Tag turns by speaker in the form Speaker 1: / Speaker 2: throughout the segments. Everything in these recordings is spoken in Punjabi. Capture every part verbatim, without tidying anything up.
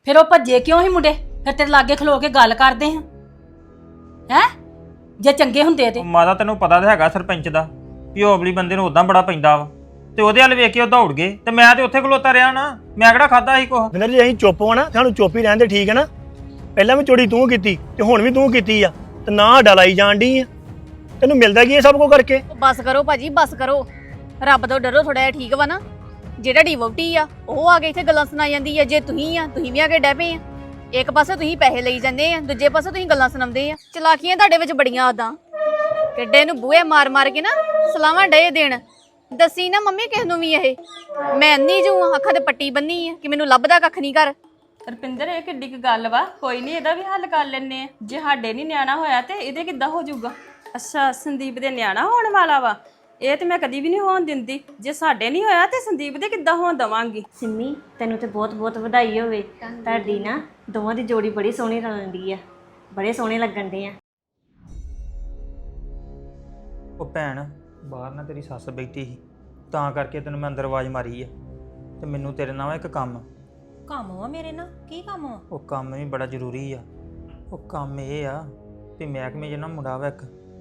Speaker 1: ਫਿਰ ਉਹ ਭੱਜੇ ਕਿਉਂ ਸੀ ਮੁੰਡੇ? ਫਿਰ ਤੇਰੇ ਲਾਗੇ ਖਲੋ ਕੇ ਗੱਲ ਕਰਦੇ ਹਾਂ ਹੈ ਜੇ ਚੰਗੇ ਹੁੰਦੇ ਤੇ।
Speaker 2: ਉਹ ਮਾਤਾ ਤੈਨੂੰ ਪਤਾ ਤਾਂ ਹੈਗਾ ਸਰਪੰਚ ਦਾ ਵੀ ਉਹ ਅਗਲੀ ਬੰਦੇ ਨੂੰ ਉਦਾਂ ਬੜਾ ਪੈਂਦਾ ਵਾ ਤੇ ਉਹਦੇ ਵੱਲ ਵੇਖ ਕੇ ਉਹ ਦੌੜ ਗਏ ਤੇ ਮੈਂ ਤੇ ਉੱਥੇ ਖਲੋਤਾ ਰਿਹਾ ਨਾ। ਮੈਂ ਕਿਹੜਾ ਖਾਦਾ ਸੀ ਕੁਛ।
Speaker 3: ਮਿੰਦਰ ਜੀ ਅਸੀਂ ਚੁੱਪ ਹੋਣਾ ਸਾਨੂੰ ਚੁੱਪ ਹੀ ਰਹਿਣ ਦੇ, ਠੀਕ ਹੈ ਨਾ। ਪਹਿਲਾਂ ਵੀ ਚੋਰੀ ਤੂੰ ਕੀਤੀ ਤੇ ਹੁਣ ਵੀ ਤੂੰ ਕੀਤੀ ਆ ਤੇ ਨਾ ਸਾਡਾ ਲਾਈ ਜਾਣ ਡਈ ਆ। ਤੈਨੂੰ ਮਿਲਦਾ ਕੀ ਇਹ ਸਭ ਕੁਝ ਕਰਕੇ?
Speaker 4: ਬਸ ਕਰੋ ਭਾਜੀ, ਬਸ ਕਰੋ। ਰੱਬ ਤੋਂ ਡਰੋ ਥੋੜਾ ਜਿਹਾ, ਠੀਕ ਵਾ ਨਾ। ਜਿਹੜਾ ਡਿਵੋਟੀ ਆ ਉਹ ਆ ਕੇ ਇੱਥੇ ਗੱਲਾਂ ਸੁਣਾਈ ਜਾਂਦੀ ਆ। ਜੇ ਤੁਸੀਂ ਆ ਤੁਸੀਂ ਵੀ ਆ ਕੇ ਡੈ ਪਏ ਆ। ਇੱਕ ਪਾਸੇ ਤੁਸੀਂ ਪੈਸੇ ਲਈ ਜਾਂਦੇ ਆ, ਦੂਜੇ ਪਾਸੇ ਤੁਸੀਂ ਗੱਲਾਂ ਸੁਣਾਉਂਦੇ ਆ। ਚਲਾਕੀਆਂ ਤੁਹਾਡੇ ਵਿੱਚ ਬੜੀਆਂ ਆਦਾਂ। ਕਿੱਡੇ ਨੂੰ ਬੂਹੇ ਮਾਰ ਮਾਰ ਕੇ ਨਾ ਸਲਾਵਾਂ ਡੇ ਦੇਣ। ਦੱਸੀ ਨਾ ਮੰਮੀ ਕਿਸ ਨੂੰ ਵੀ ਇਹ ਮੈਂ ਅੰਨੀ ਜੂ ਅੱਖਾਂ ਤੇ ਪੱਟੀ ਬੰਨੀ ਆ ਕਿ ਮੈਨੂੰ ਲੱਭਦਾ ਕੱਖ ਨਹੀਂ ਕਰ।
Speaker 5: ਰਪਿੰਦਰ ਇਹ ਕਿੱਡੀ ਕੁ ਗੱਲ ਵਾ, ਕੋਈ ਨਹੀਂ ਇਹਦਾ ਵੀ ਹੱਲ ਕਰ ਲੈਣੇ ਆ। ਜੇ ਸਾਡੇ ਨਹੀਂ ਨਿਆਣਾ ਹੋਇਆ ਤੇ ਇਹਦੇ ਕਿੱਦਾਂ ਹੋ ਜਾਊਗਾ? ਅੱਛਾ ਸੰਦੀਪ ਦੇ ਨਿਆਣਾ ਹੋਣ ਵਾਲਾ ਵਾ? ਇਹ ਤੇ ਮੈਂ ਕਦੀ ਵੀ ਨਹੀਂ ਹੋਣ ਦਿੰਦੀ। ਜੇ ਸਾਡੇ ਨਹੀਂ ਹੋਇਆ ਤੇ ਸੰਦੀਪ ਦੇ ਕਿੱਦਾਂ ਹੋਣ ਦਵਾਂਗੀ?
Speaker 6: ਸਿੰਮੀ ਤੈਨੂੰ ਤੇ ਬਹੁਤ ਬਹੁਤ ਵਧਾਈ ਹੋਵੇ। ਤੁਹਾਡੀ ਨਾ ਦੋਵਾਂ ਦੀ ਜੋੜੀ ਬੜੀ ਸੋਹਣੀ ਰਲਦੀ ਆ, ਬੜੇ ਸੋਹਣੇ ਲੱਗਣ ਦੇ ਆ।
Speaker 2: ਉਹ ਭੈਣ ਬਾਹਰ ਨਾ ਤੇਰੀ ਸੱਸ ਬੈਠੀ ਸੀ ਤਾਂ ਕਰਕੇ ਤੈਨੂੰ ਮੈਂ ਅੰਦਰ ਆਵਾਜ਼ ਮਾਰੀ ਆ। ਤੇ ਮੈਨੂੰ ਤੇਰੇ ਨਾਲ ਇੱਕ ਕੰਮ
Speaker 7: ਕੰਮ ਵਾ ਮੇਰੇ ਨਾਲ? ਕੀ ਕੰਮ ਵਾ?
Speaker 2: ਉਹ ਕੰਮ ਵੀ ਬੜਾ ਜ਼ਰੂਰੀ ਆ। ਉਹ ਕੰਮ ਇਹ ਆ ਵੀ ਮਹਿਕਮੇ 'ਚ ਨਾ ਮੁੰਡਾ ਵਾ ਇੱਕ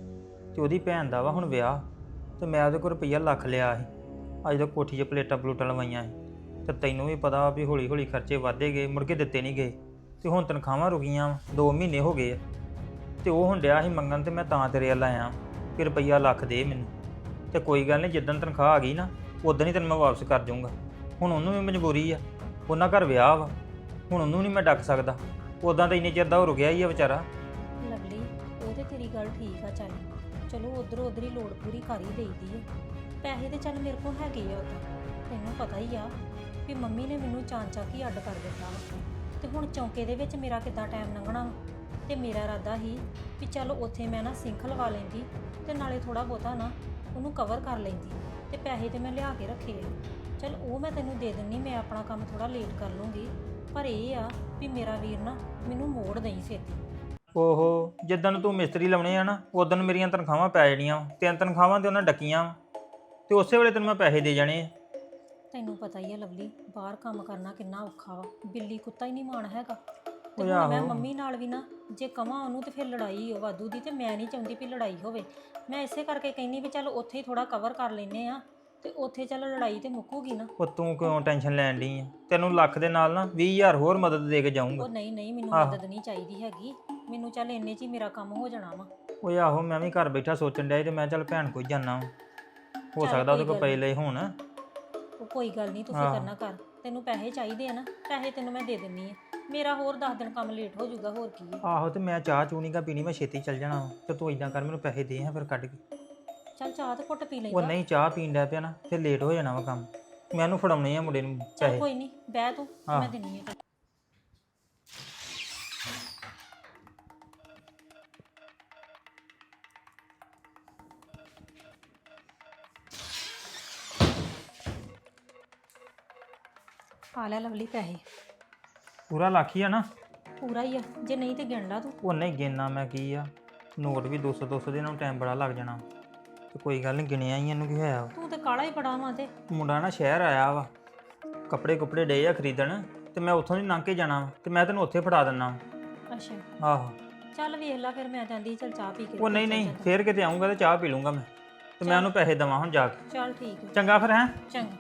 Speaker 2: ਤੇ ਉਹਦੀ ਭੈਣ ਦਾ ਵਾ ਹੁਣ ਵਿਆਹ। ਤੇ ਮੈਂ ਉਹਦੇ ਕੋਲ ਰੁਪਈਆ ਲੱਖ ਲਿਆ ਸੀ। ਅੱਜ ਤਾਂ ਕੋਠੀ 'ਚ ਪਲੇਟਾਂ ਪਲੂਟਾਂ ਲਵਾਈਆਂ ਸੀ। ਤੇ ਤੈਨੂੰ ਵੀ ਪਤਾ ਵੀ ਹੌਲੀ ਹੌਲੀ ਖਰਚੇ ਵਧਦੇ ਗਏ, ਮੁੜ ਕੇ ਦਿੱਤੇ ਨਹੀਂ ਗਏ। ਤੇ ਹੁਣ ਤਨਖਾਹਾਂ ਰੁਕੀਆਂ ਵਾ, ਦੋ ਮਹੀਨੇ ਹੋ ਗਏ ਆ। ਤੇ ਉਹ ਹੁਣ ਡਿਆ ਸੀ ਮੰਗਣ ਤੇ ਮੈਂ ਤਾਂ ਤੇਰੇ ਵੱਲ ਆਇਆ ਕਿ ਰੁਪਈਆ ਲੱਖ ਦੇ ਮੈਨੂੰ। ਤੇ ਕੋਈ ਗੱਲ ਨਹੀਂ, ਜਿੱਦਣ ਤਨਖਾਹ ਆ ਗਈ ਨਾ ਉਦੋਂ ਹੀ ਤੈਨੂੰ ਮੈਂ ਵਾਪਸ ਕਰ ਜਾਊਂਗਾ। ਹੁਣ ਉਹਨੂੰ ਵੀ ਮਜਬੂਰੀ ਆ, ਉਹਨਾਂ ਘਰ ਵਿਆਹ ਵਾ, ਹੁਣ ਉਹਨੂੰ ਨਹੀਂ ਮੈਂ ਡੱਕ ਸਕਦਾ। ਉਦਾਂ ਤਾਂ ਇੰਨੇ ਚਿਰ ਦਾ ਹੋ ਰੁਕਿਆ ਹੀ ਆ ਵਿਚਾਰਾ।
Speaker 7: ਲਵਲੀ ਉਹ ਤੇ ਤੇਰੀ ਗੱਲ ਠੀਕ ਆ। ਚੱਲ ਚਲੋ ਉਧਰ ਉਧਰ ਹੀ ਲੋੜ ਪੂਰੀ ਕਰ ਹੀ ਦੇਈਦੀ ਹੈ। ਪੈਸੇ ਤੇ ਚੱਲ ਮੇਰੇ ਕੋਲ ਹੈਗੇ ਆ। ਉਦਾਂ ਤੈਨੂੰ ਪਤਾ ਹੀ ਆ ਵੀ ਮੰਮੀ ਨੇ ਮੈਨੂੰ ਚਾਂ ਚਾਂ ਕੀ ਅੱਡ ਕਰ ਦਿੱਤਾ ਵਾ। ਤੇ ਹੁਣ ਚੌਂਕੇ ਦੇ ਵਿੱਚ ਮੇਰਾ ਕਿੱਦਾਂ ਟਾਈਮ ਲੰਘਣਾ ਵਾ। ਤੇ ਮੇਰਾ ਇਰਾਦਾ ਸੀ ਵੀ ਚੱਲ ਉੱਥੇ ਮੈਂ ਨਾ ਸਿੰਖ ਲਵਾ ਲੈਂਦੀ ਤੇ ਨਾਲੇ ਥੋੜਾ ਬਹੁਤਾ ਨਾ ਉਹਨੂੰ ਕਵਰ ਕਰ ਲੈਂਦੀ। ਤੇ ਪੈਸੇ ਤੇ ਮੈਂ ਲਿਆ ਕੇ ਰੱਖੇ ਆ, ਚੱਲ ਉਹ ਮੈਂ ਤੈਨੂੰ ਦੇ ਦਿੰਨੀ। ਮੈਂ ਆਪਣਾ ਕੰਮ ਥੋੜਾ ਲੇਟ ਕਰ ਲੂੰਗੀ, ਪਰ ਇਹ ਆ ਵੀ ਮੇਰਾ ਵੀਰ ਨਾ ਮੈਨੂੰ ਮੋੜ ਦੇਈ ਛੇਤੀ।
Speaker 2: ਓਹੋ ਜਿੱਦਣ ਤੂੰ ਮਿਸਤਰੀ ਲਾਉਣੇ ਆ ਨਾ ਉਦੋਂ ਮੇਰੀਆਂ ਤਨਖਾਹਾਂ ਪੈ ਜਾਣੀਆਂ। ਤਿੰਨ ਤਨਖਾਹਾਂ ਤੇ ਉਹਨਾਂ ਡੱਕੀਆਂ ਤੇ ਉਸੇ ਵੇਲੇ ਤੈਨੂੰ ਮੈਂ ਪੈਸੇ ਦੇ ਜਾਣੇ ਆ।
Speaker 7: ਤੈਨੂੰ ਪਤਾ ਹੀ ਆ ਲਵਲੀ, ਬਾਹਰ ਕੰਮ ਕਰਨਾ ਕਿੰਨਾ ਔਖਾ ਵਾ। ਬਿੱਲੀ ਕੁੱਤਾ ਹੀ ਨਹੀਂ ਮਾਣ ਹੈਗਾ। ਤੇ
Speaker 2: ਓਏ
Speaker 7: ਹੁਣ ਮੈਂ
Speaker 2: ਆਹੋ।
Speaker 7: ਮੰਮੀ ਨਾਲ ਵੀ ਨਾ ਜੇ ਕਵਾਂ ਉਹਨੂੰ ਤੇ ਫਿਰ ਲੜਾਈ ਹੋ ਵਾਧੂ ਦੀ। ਤੇ ਮੈਂ ਨਹੀਂ ਚਾਹੁੰਦੀ ਵੀ ਲੜਾਈ ਹੋਵੇ। ਮੈਂ ਇਸੇ ਕਰਕੇ ਕਹਿੰਦੀ ਵੀ ਚੱਲ ਉੱਥੇ ਹੀ ਥੋੜਾ ਕਵਰ ਕਰ ਲੈਨੇ ਆ ਤੇ ਉੱਥੇ ਚੱਲ ਲੜਾਈ ਤੇ ਮੁੱਕੂਗੀ ਨਾ।
Speaker 2: ਉਹ ਤੂੰ ਕਿਉਂ ਟੈਨਸ਼ਨ ਲੈਣ ਡਈ ਆ? ਤੈਨੂੰ ਲੱਖ ਦੇ ਨਾਲ ਨਾ ਵੀਹ ਹਜ਼ਾਰ ਹੋਰ ਮਦਦ ਦੇ ਕੇ ਜਾਊਂਗਾ।
Speaker 7: ਉਹ ਨਹੀਂ ਨਹੀਂ ਮੈਨੂੰ
Speaker 2: ਆਹੋ।
Speaker 7: ਮਦਦ ਨਹੀਂ ਚਾਹੀਦੀ ਹੈਗੀ। ਮੈਨੂੰ ਚੱਲ ਇੰਨੇ 'ਚ ਹੀ ਮੇਰਾ ਕੰਮ ਹੋ ਜਾਣਾ ਵਾ।
Speaker 2: ਓਏ ਆਹੋ ਮੈਂ ਵੀ ਘਰ ਬੈਠਾ ਸੋਚਣ ਡਿਆ ਸੀ ਤੇ ਮੈਂ ਚੱਲ ਭੈਣ ਕੋਲ ਜਾਣਾ ਹੋ
Speaker 7: ਚੱਲ
Speaker 2: ਸਕਦਾ ਉਹਦੇ
Speaker 7: ਕੋਈ
Speaker 2: ਕੋਲ
Speaker 7: ਗੱਲ
Speaker 2: ਪਏ
Speaker 7: ਨੀ।
Speaker 2: ਲਏ ਹੋਣ।
Speaker 7: ਉਹ ਕੋਈ ਗੱਲ ਨਹੀਂ, ਤੂੰ
Speaker 2: ਆਹੋ।
Speaker 7: ਫਿਕਰ ਨਾ ਕਰ। ਤੈਨੂੰ ਪੈਸੇ ਚਾਹੀਦੇ ਆ ਨਾ, ਪੈਸੇ ਤੈਨੂੰ ਮੈਂ ਦੇ ਦਿੰਨੀ ਆ। ਮੇਰਾ ਹੋਰ ਦਸ ਦਿਨ ਕੰਮ ਲੇਟ ਹੋ ਜਾਊਗਾ, ਹੋਰ ਕੀ ਹੈ।
Speaker 2: ਆਹੋ ਤੇ ਮੈਂ ਚਾਹ ਚੂਹ ਨੀ ਗਾ ਪੀਣੀ, ਮੈਂ ਛੇਤੀ ਚੱਲ ਜਾਣਾ ਵਾ। ਤੇ ਤੂੰ ਇਦਾਂ ਕਰ ਮੈਨੂੰ ਪੈਸੇ ਦੇ ਆ ਫਿਰ ਕੱਢ ਕੇ।
Speaker 7: ਚੱਲ ਚਾਹ ਤੇ ਘੁੱਟ ਪੀ
Speaker 2: ਉਹ
Speaker 7: ਲੈਂਦਾ।
Speaker 2: ਨਹੀਂ ਚਾਹ ਪੀਣ ਡਿਆ ਪਿਆ ਨਾ ਫਿਰ ਲੇਟ ਹੋ ਜਾਣਾ ਵਾ ਕੰਮ। ਮੈਂ ਉਹਨੂੰ ਫੜਾਉਣੇ ਆ ਮੁੰਡੇ ਨੂੰ
Speaker 7: ਚੱਲ
Speaker 2: ਪੈਸੇ।
Speaker 7: ਕੋਈ ਨਹੀਂ, ਬਹਿ ਤੂੰ,
Speaker 2: ਆਹ।
Speaker 7: ਮੈਂ ਦਿੰਨੀ ਆ। ਆ ਲੈ ਲਵਲੀ ਪੈਸੇ।
Speaker 2: ਪੂਰਾ ਲੱਖ ਹੀ ਆ ਨਾ?
Speaker 7: ਪੂਰਾ ਹੀ ਆ, ਜੇ ਨਹੀਂ ਤੇ ਗਿਣ ਲਾ ਤੂੰ।
Speaker 2: ਉਹ ਨਹੀਂ ਗਿਣਨਾ ਮੈਂ ਕੀ ਆ, ਨੋਟ ਵੀ ਦੋ ਸੌ ਦੋ ਸੌ ਦੇ ਨਾਲ ਟਾਈਮ ਬੜਾ ਲੱਗ ਜਾਣਾ। ਤੇ ਕੋਈ ਗੱਲ ਨਹੀਂ ਗਿਣਿਆ ਹੀ ਇਹਨੂੰ ਕੀ ਹੋਇਆ ਵਾ।
Speaker 7: ਤੂੰ ਤੇ ਕਾਲਾ ਹੀ ਬੜਾ ਵਾਂ। ਤੇ
Speaker 2: ਮੁੰਡਾ ਨਾ ਸ਼ਹਿਰ ਆਇਆ ਵਾ, ਕੱਪੜੇ ਕੁਪੜੇ ਡੇ ਆ ਖਰੀਦਣ ਤੇ ਮੈਂ ਉੱਥੋਂ ਦੀ ਲੰਘ ਕੇ ਜਾਣਾ ਵਾ ਤੇ ਮੈਂ ਤੈਨੂੰ ਉੱਥੇ ਫੜਾ ਦਿੰਨਾ ਵਾ।
Speaker 7: ਅੱਛਾ
Speaker 2: ਆਹੋ।
Speaker 7: ਚੱਲ ਵੇਖ ਲੈ ਫਿਰ। ਮੈਂ ਕਹਿੰਦੀ ਚੱਲ ਚਾਹ ਪੀ ਕੇ
Speaker 2: ਉਹ ਨਹੀਂ ਨਹੀਂ ਫੇਰ ਕਿਤੇ ਆਉਂਗਾ ਤੇ ਚਾਹ ਪੀ ਲੂੰਗਾ ਮੈਂ ਤੇ ਮੈਂ ਉਹਨੂੰ ਪੈਸੇ ਦੇਵਾਂ ਹੁਣ ਜਾ ਕੇ।
Speaker 7: ਚੱਲ ਠੀਕ ਹੈ।
Speaker 2: ਚੰਗਾ ਫਿਰ ਹੈਂ।
Speaker 7: ਚੰਗਾ।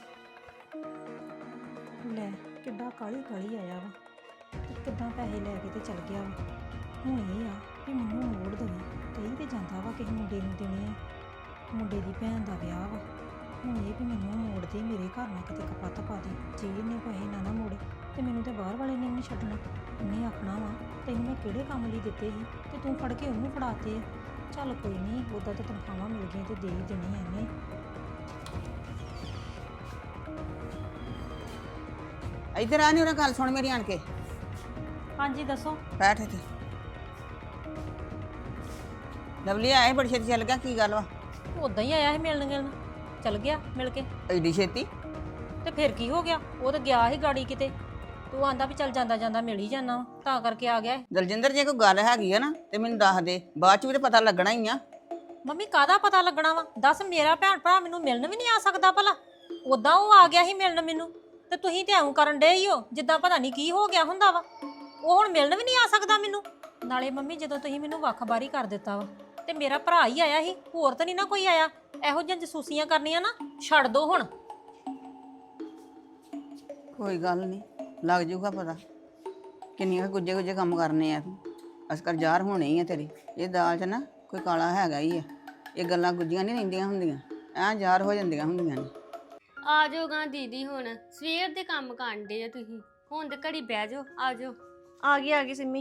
Speaker 7: ਲੈ ਕਿੱਡਾ ਕਾਲੀ ਕਾਲੀ ਆਇਆ ਵਾ ਤੇ ਕਿੱਦਾਂ ਪੈਸੇ ਲੈ ਕੇ ਤੇ ਚਲ ਗਿਆ ਵਾ। ਹੁਣ ਇਹ ਆ ਕਿ ਮੈਨੂੰ ਮੋੜ ਦੇਵੇ। ਕਹੀ ਤੇ ਜਾਂਦਾ ਵਾ ਕਿਸੇ ਮੁੰਡੇ ਨੂੰ ਦੇਣੇ ਆ, ਮੁੰਡੇ ਦੀ ਭੈਣ ਦਾ ਵਿਆਹ ਵਾ। ਹੁਣ ਇਹ ਵੀ ਮੈਨੂੰ ਮੋੜ ਦੇ, ਮੇਰੇ ਘਰ ਨਾ ਕਿਤੇ ਕਪੱਤ ਪਾ ਦੇ। ਜੇ ਇਹਨੇ ਪੈਸੇ ਨਾ ਨਾ ਮੋੜੇ ਤੇ ਮੈਨੂੰ ਤੇ ਬਾਹਰ ਵਾਲੇ ਨੇ ਵੀ ਨਹੀਂ ਛੱਡਣਾ। ਉਹਨੇ ਆਖਣਾ ਵਾ ਤੈਨੂੰ ਮੈਂ ਕਿਹੜੇ ਕੰਮ ਲਈ ਦਿੱਤੇ ਸੀ ਤੇ ਤੂੰ ਫੜ ਕੇ ਉਹਨੂੰ ਫੜਾਤੇ ਆ। ਚੱਲ ਕੋਈ ਨਹੀਂ, ਉੱਦਾਂ ਤਾਂ ਤਨਖਾਹਾਂ ਮਿਲ ਗਈਆਂ ਤੇ ਦੇ ਹੀ ਦੇਣੀ ਇਹਨੇ।
Speaker 8: ਇੱਧਰ ਆ ਨੀ ਉਹਨਾਂ ਗੱਲ ਸੁਣ ਮੇਰੀ ਆਣ ਕੇ।
Speaker 7: ਹਾਂਜੀ ਦੱਸੋ।
Speaker 8: ਬੈਠ ਇੱਥੇ। ਲਵਲੀ ਆਏ ਬੜੀ ਛੇਤੀ ਚੱਲ ਗਿਆ, ਕੀ ਗੱਲ ਵਾ?
Speaker 7: ਉਦਾਂ ਹੀ ਆਇਆ ਸੀ ਮਿਲਣ ਗਿਲਣ, ਚਲ ਗਿਆ ਮਿਲ ਕੇ।
Speaker 8: ਐਡੀ ਛੇਤੀ?
Speaker 7: ਤੇ ਫਿਰ ਕੀ ਹੋ ਗਿਆ? ਉਹ ਤਾਂ ਗਿਆ ਸੀ ਗਾੜੀ ਕਿਤੇ। ਤੂੰ ਆਂਦਾ ਵੀ ਚੱਲ ਜਾਂਦਾ ਜਾਂਦਾ ਮਿਲ ਹੀ ਜਾਣਾ, ਤਾਂ ਕਰਕੇ ਆ ਗਿਆ।
Speaker 8: ਦਲਜਿੰਦਰ ਜੇ ਕੋਈ ਗੱਲ ਹੈਗੀ ਆ ਨਾ ਤੇ ਮੈਨੂੰ ਦੱਸ ਦੇ, ਬਾਅਦ ਚ ਵੀ ਤੇ ਪਤਾ ਲੱਗਣਾ ਹੀ ਆ।
Speaker 7: ਮੰਮੀ ਕਾਹਦਾ ਪਤਾ ਲੱਗਣਾ ਵਾ? ਦੱਸ, ਮੇਰਾ ਭੈਣ ਭਰਾ ਮੈਨੂੰ ਮਿਲਣ ਵੀ ਨਹੀਂ ਆ ਸਕਦਾ ਭਲਾ? ਉਦਾਂ ਉਹ ਆ ਗਿਆ ਸੀ ਮਿਲਣ ਮੈਨੂੰ ਤੇ ਤੁਸੀਂ ਤੇ ਐਂ ਕਰਨ ਡੇ ਹੀ ਹੋ ਜਿੱਦਾਂ ਪਤਾ ਨਹੀਂ ਕੀ ਹੋ ਗਿਆ ਹੁੰਦਾ ਵਾ। ਉਹ ਹੁਣ ਮਿਲਣ ਵੀ ਨਹੀਂ ਆ ਸਕਦਾ ਮੈਨੂੰ। ਨਾਲੇ ਮੰਮੀ ਜਦੋਂ ਤੁਸੀਂ ਮੈਨੂੰ ਵੱਖ-ਬਾਰੀ ਕਰ ਦਿੱਤਾ ਵਾ ਤੇ ਮੇਰਾ ਭਰਾ ਹੀ ਆਇਆ ਸੀ, ਹੋਰ ਤਾਂ ਨਹੀਂ ਨਾ ਕੋਈ ਆਇਆ। ਇਹੋ ਜਿਹੀਆਂ ਜਸੂਸੀਆਂ ਕਰਨੀਆਂ ਨਾ ਛੱਡ ਦੋ ਹੁਣ।
Speaker 8: ਕੋਈ ਗੱਲ ਨਹੀਂ, ਲੱਗ ਜੂਗਾ ਪਤਾ ਕਿੰਨੀਆਂ ਗੁੱਜੇ ਗੁੱਜੇ ਕੰਮ ਕਰਨੇ ਆ ਤੂੰ। ਅਸਕਰ ਜ਼ਾਹਰ ਹੋਣੇ ਹੀ ਆ ਤੇਰੀ। ਇਹ ਦਾਲ 'ਚ ਨਾ ਕੋਈ ਕਾਲਾ ਹੈਗਾ ਹੀ ਆ। ਇਹ ਗੱਲਾਂ ਗੁੱਜੀਆਂ ਨਹੀਂ ਰਹਿੰਦੀਆਂ ਹੁੰਦੀਆਂ, ਐਂ ਜ਼ਾਹਰ ਹੋ ਜਾਂਦੀਆਂ ਹੁੰਦੀਆਂ ਨੇ।
Speaker 9: ਆ ਜਾਓਗਾ ਦੀਦੀ, ਹੁਣ ਸਵੇਰ ਦੇ ਕੰਮ ਕਾਂਡੇ ਆ ਤੁਸੀਂ, ਹੁਣ ਤੇ ਘੜੀ ਬਹਿ ਜਾਓ। ਆ ਜਾਓ।
Speaker 6: ਆ ਗਈ ਆ ਗਈ ਸਿੰਮੀ।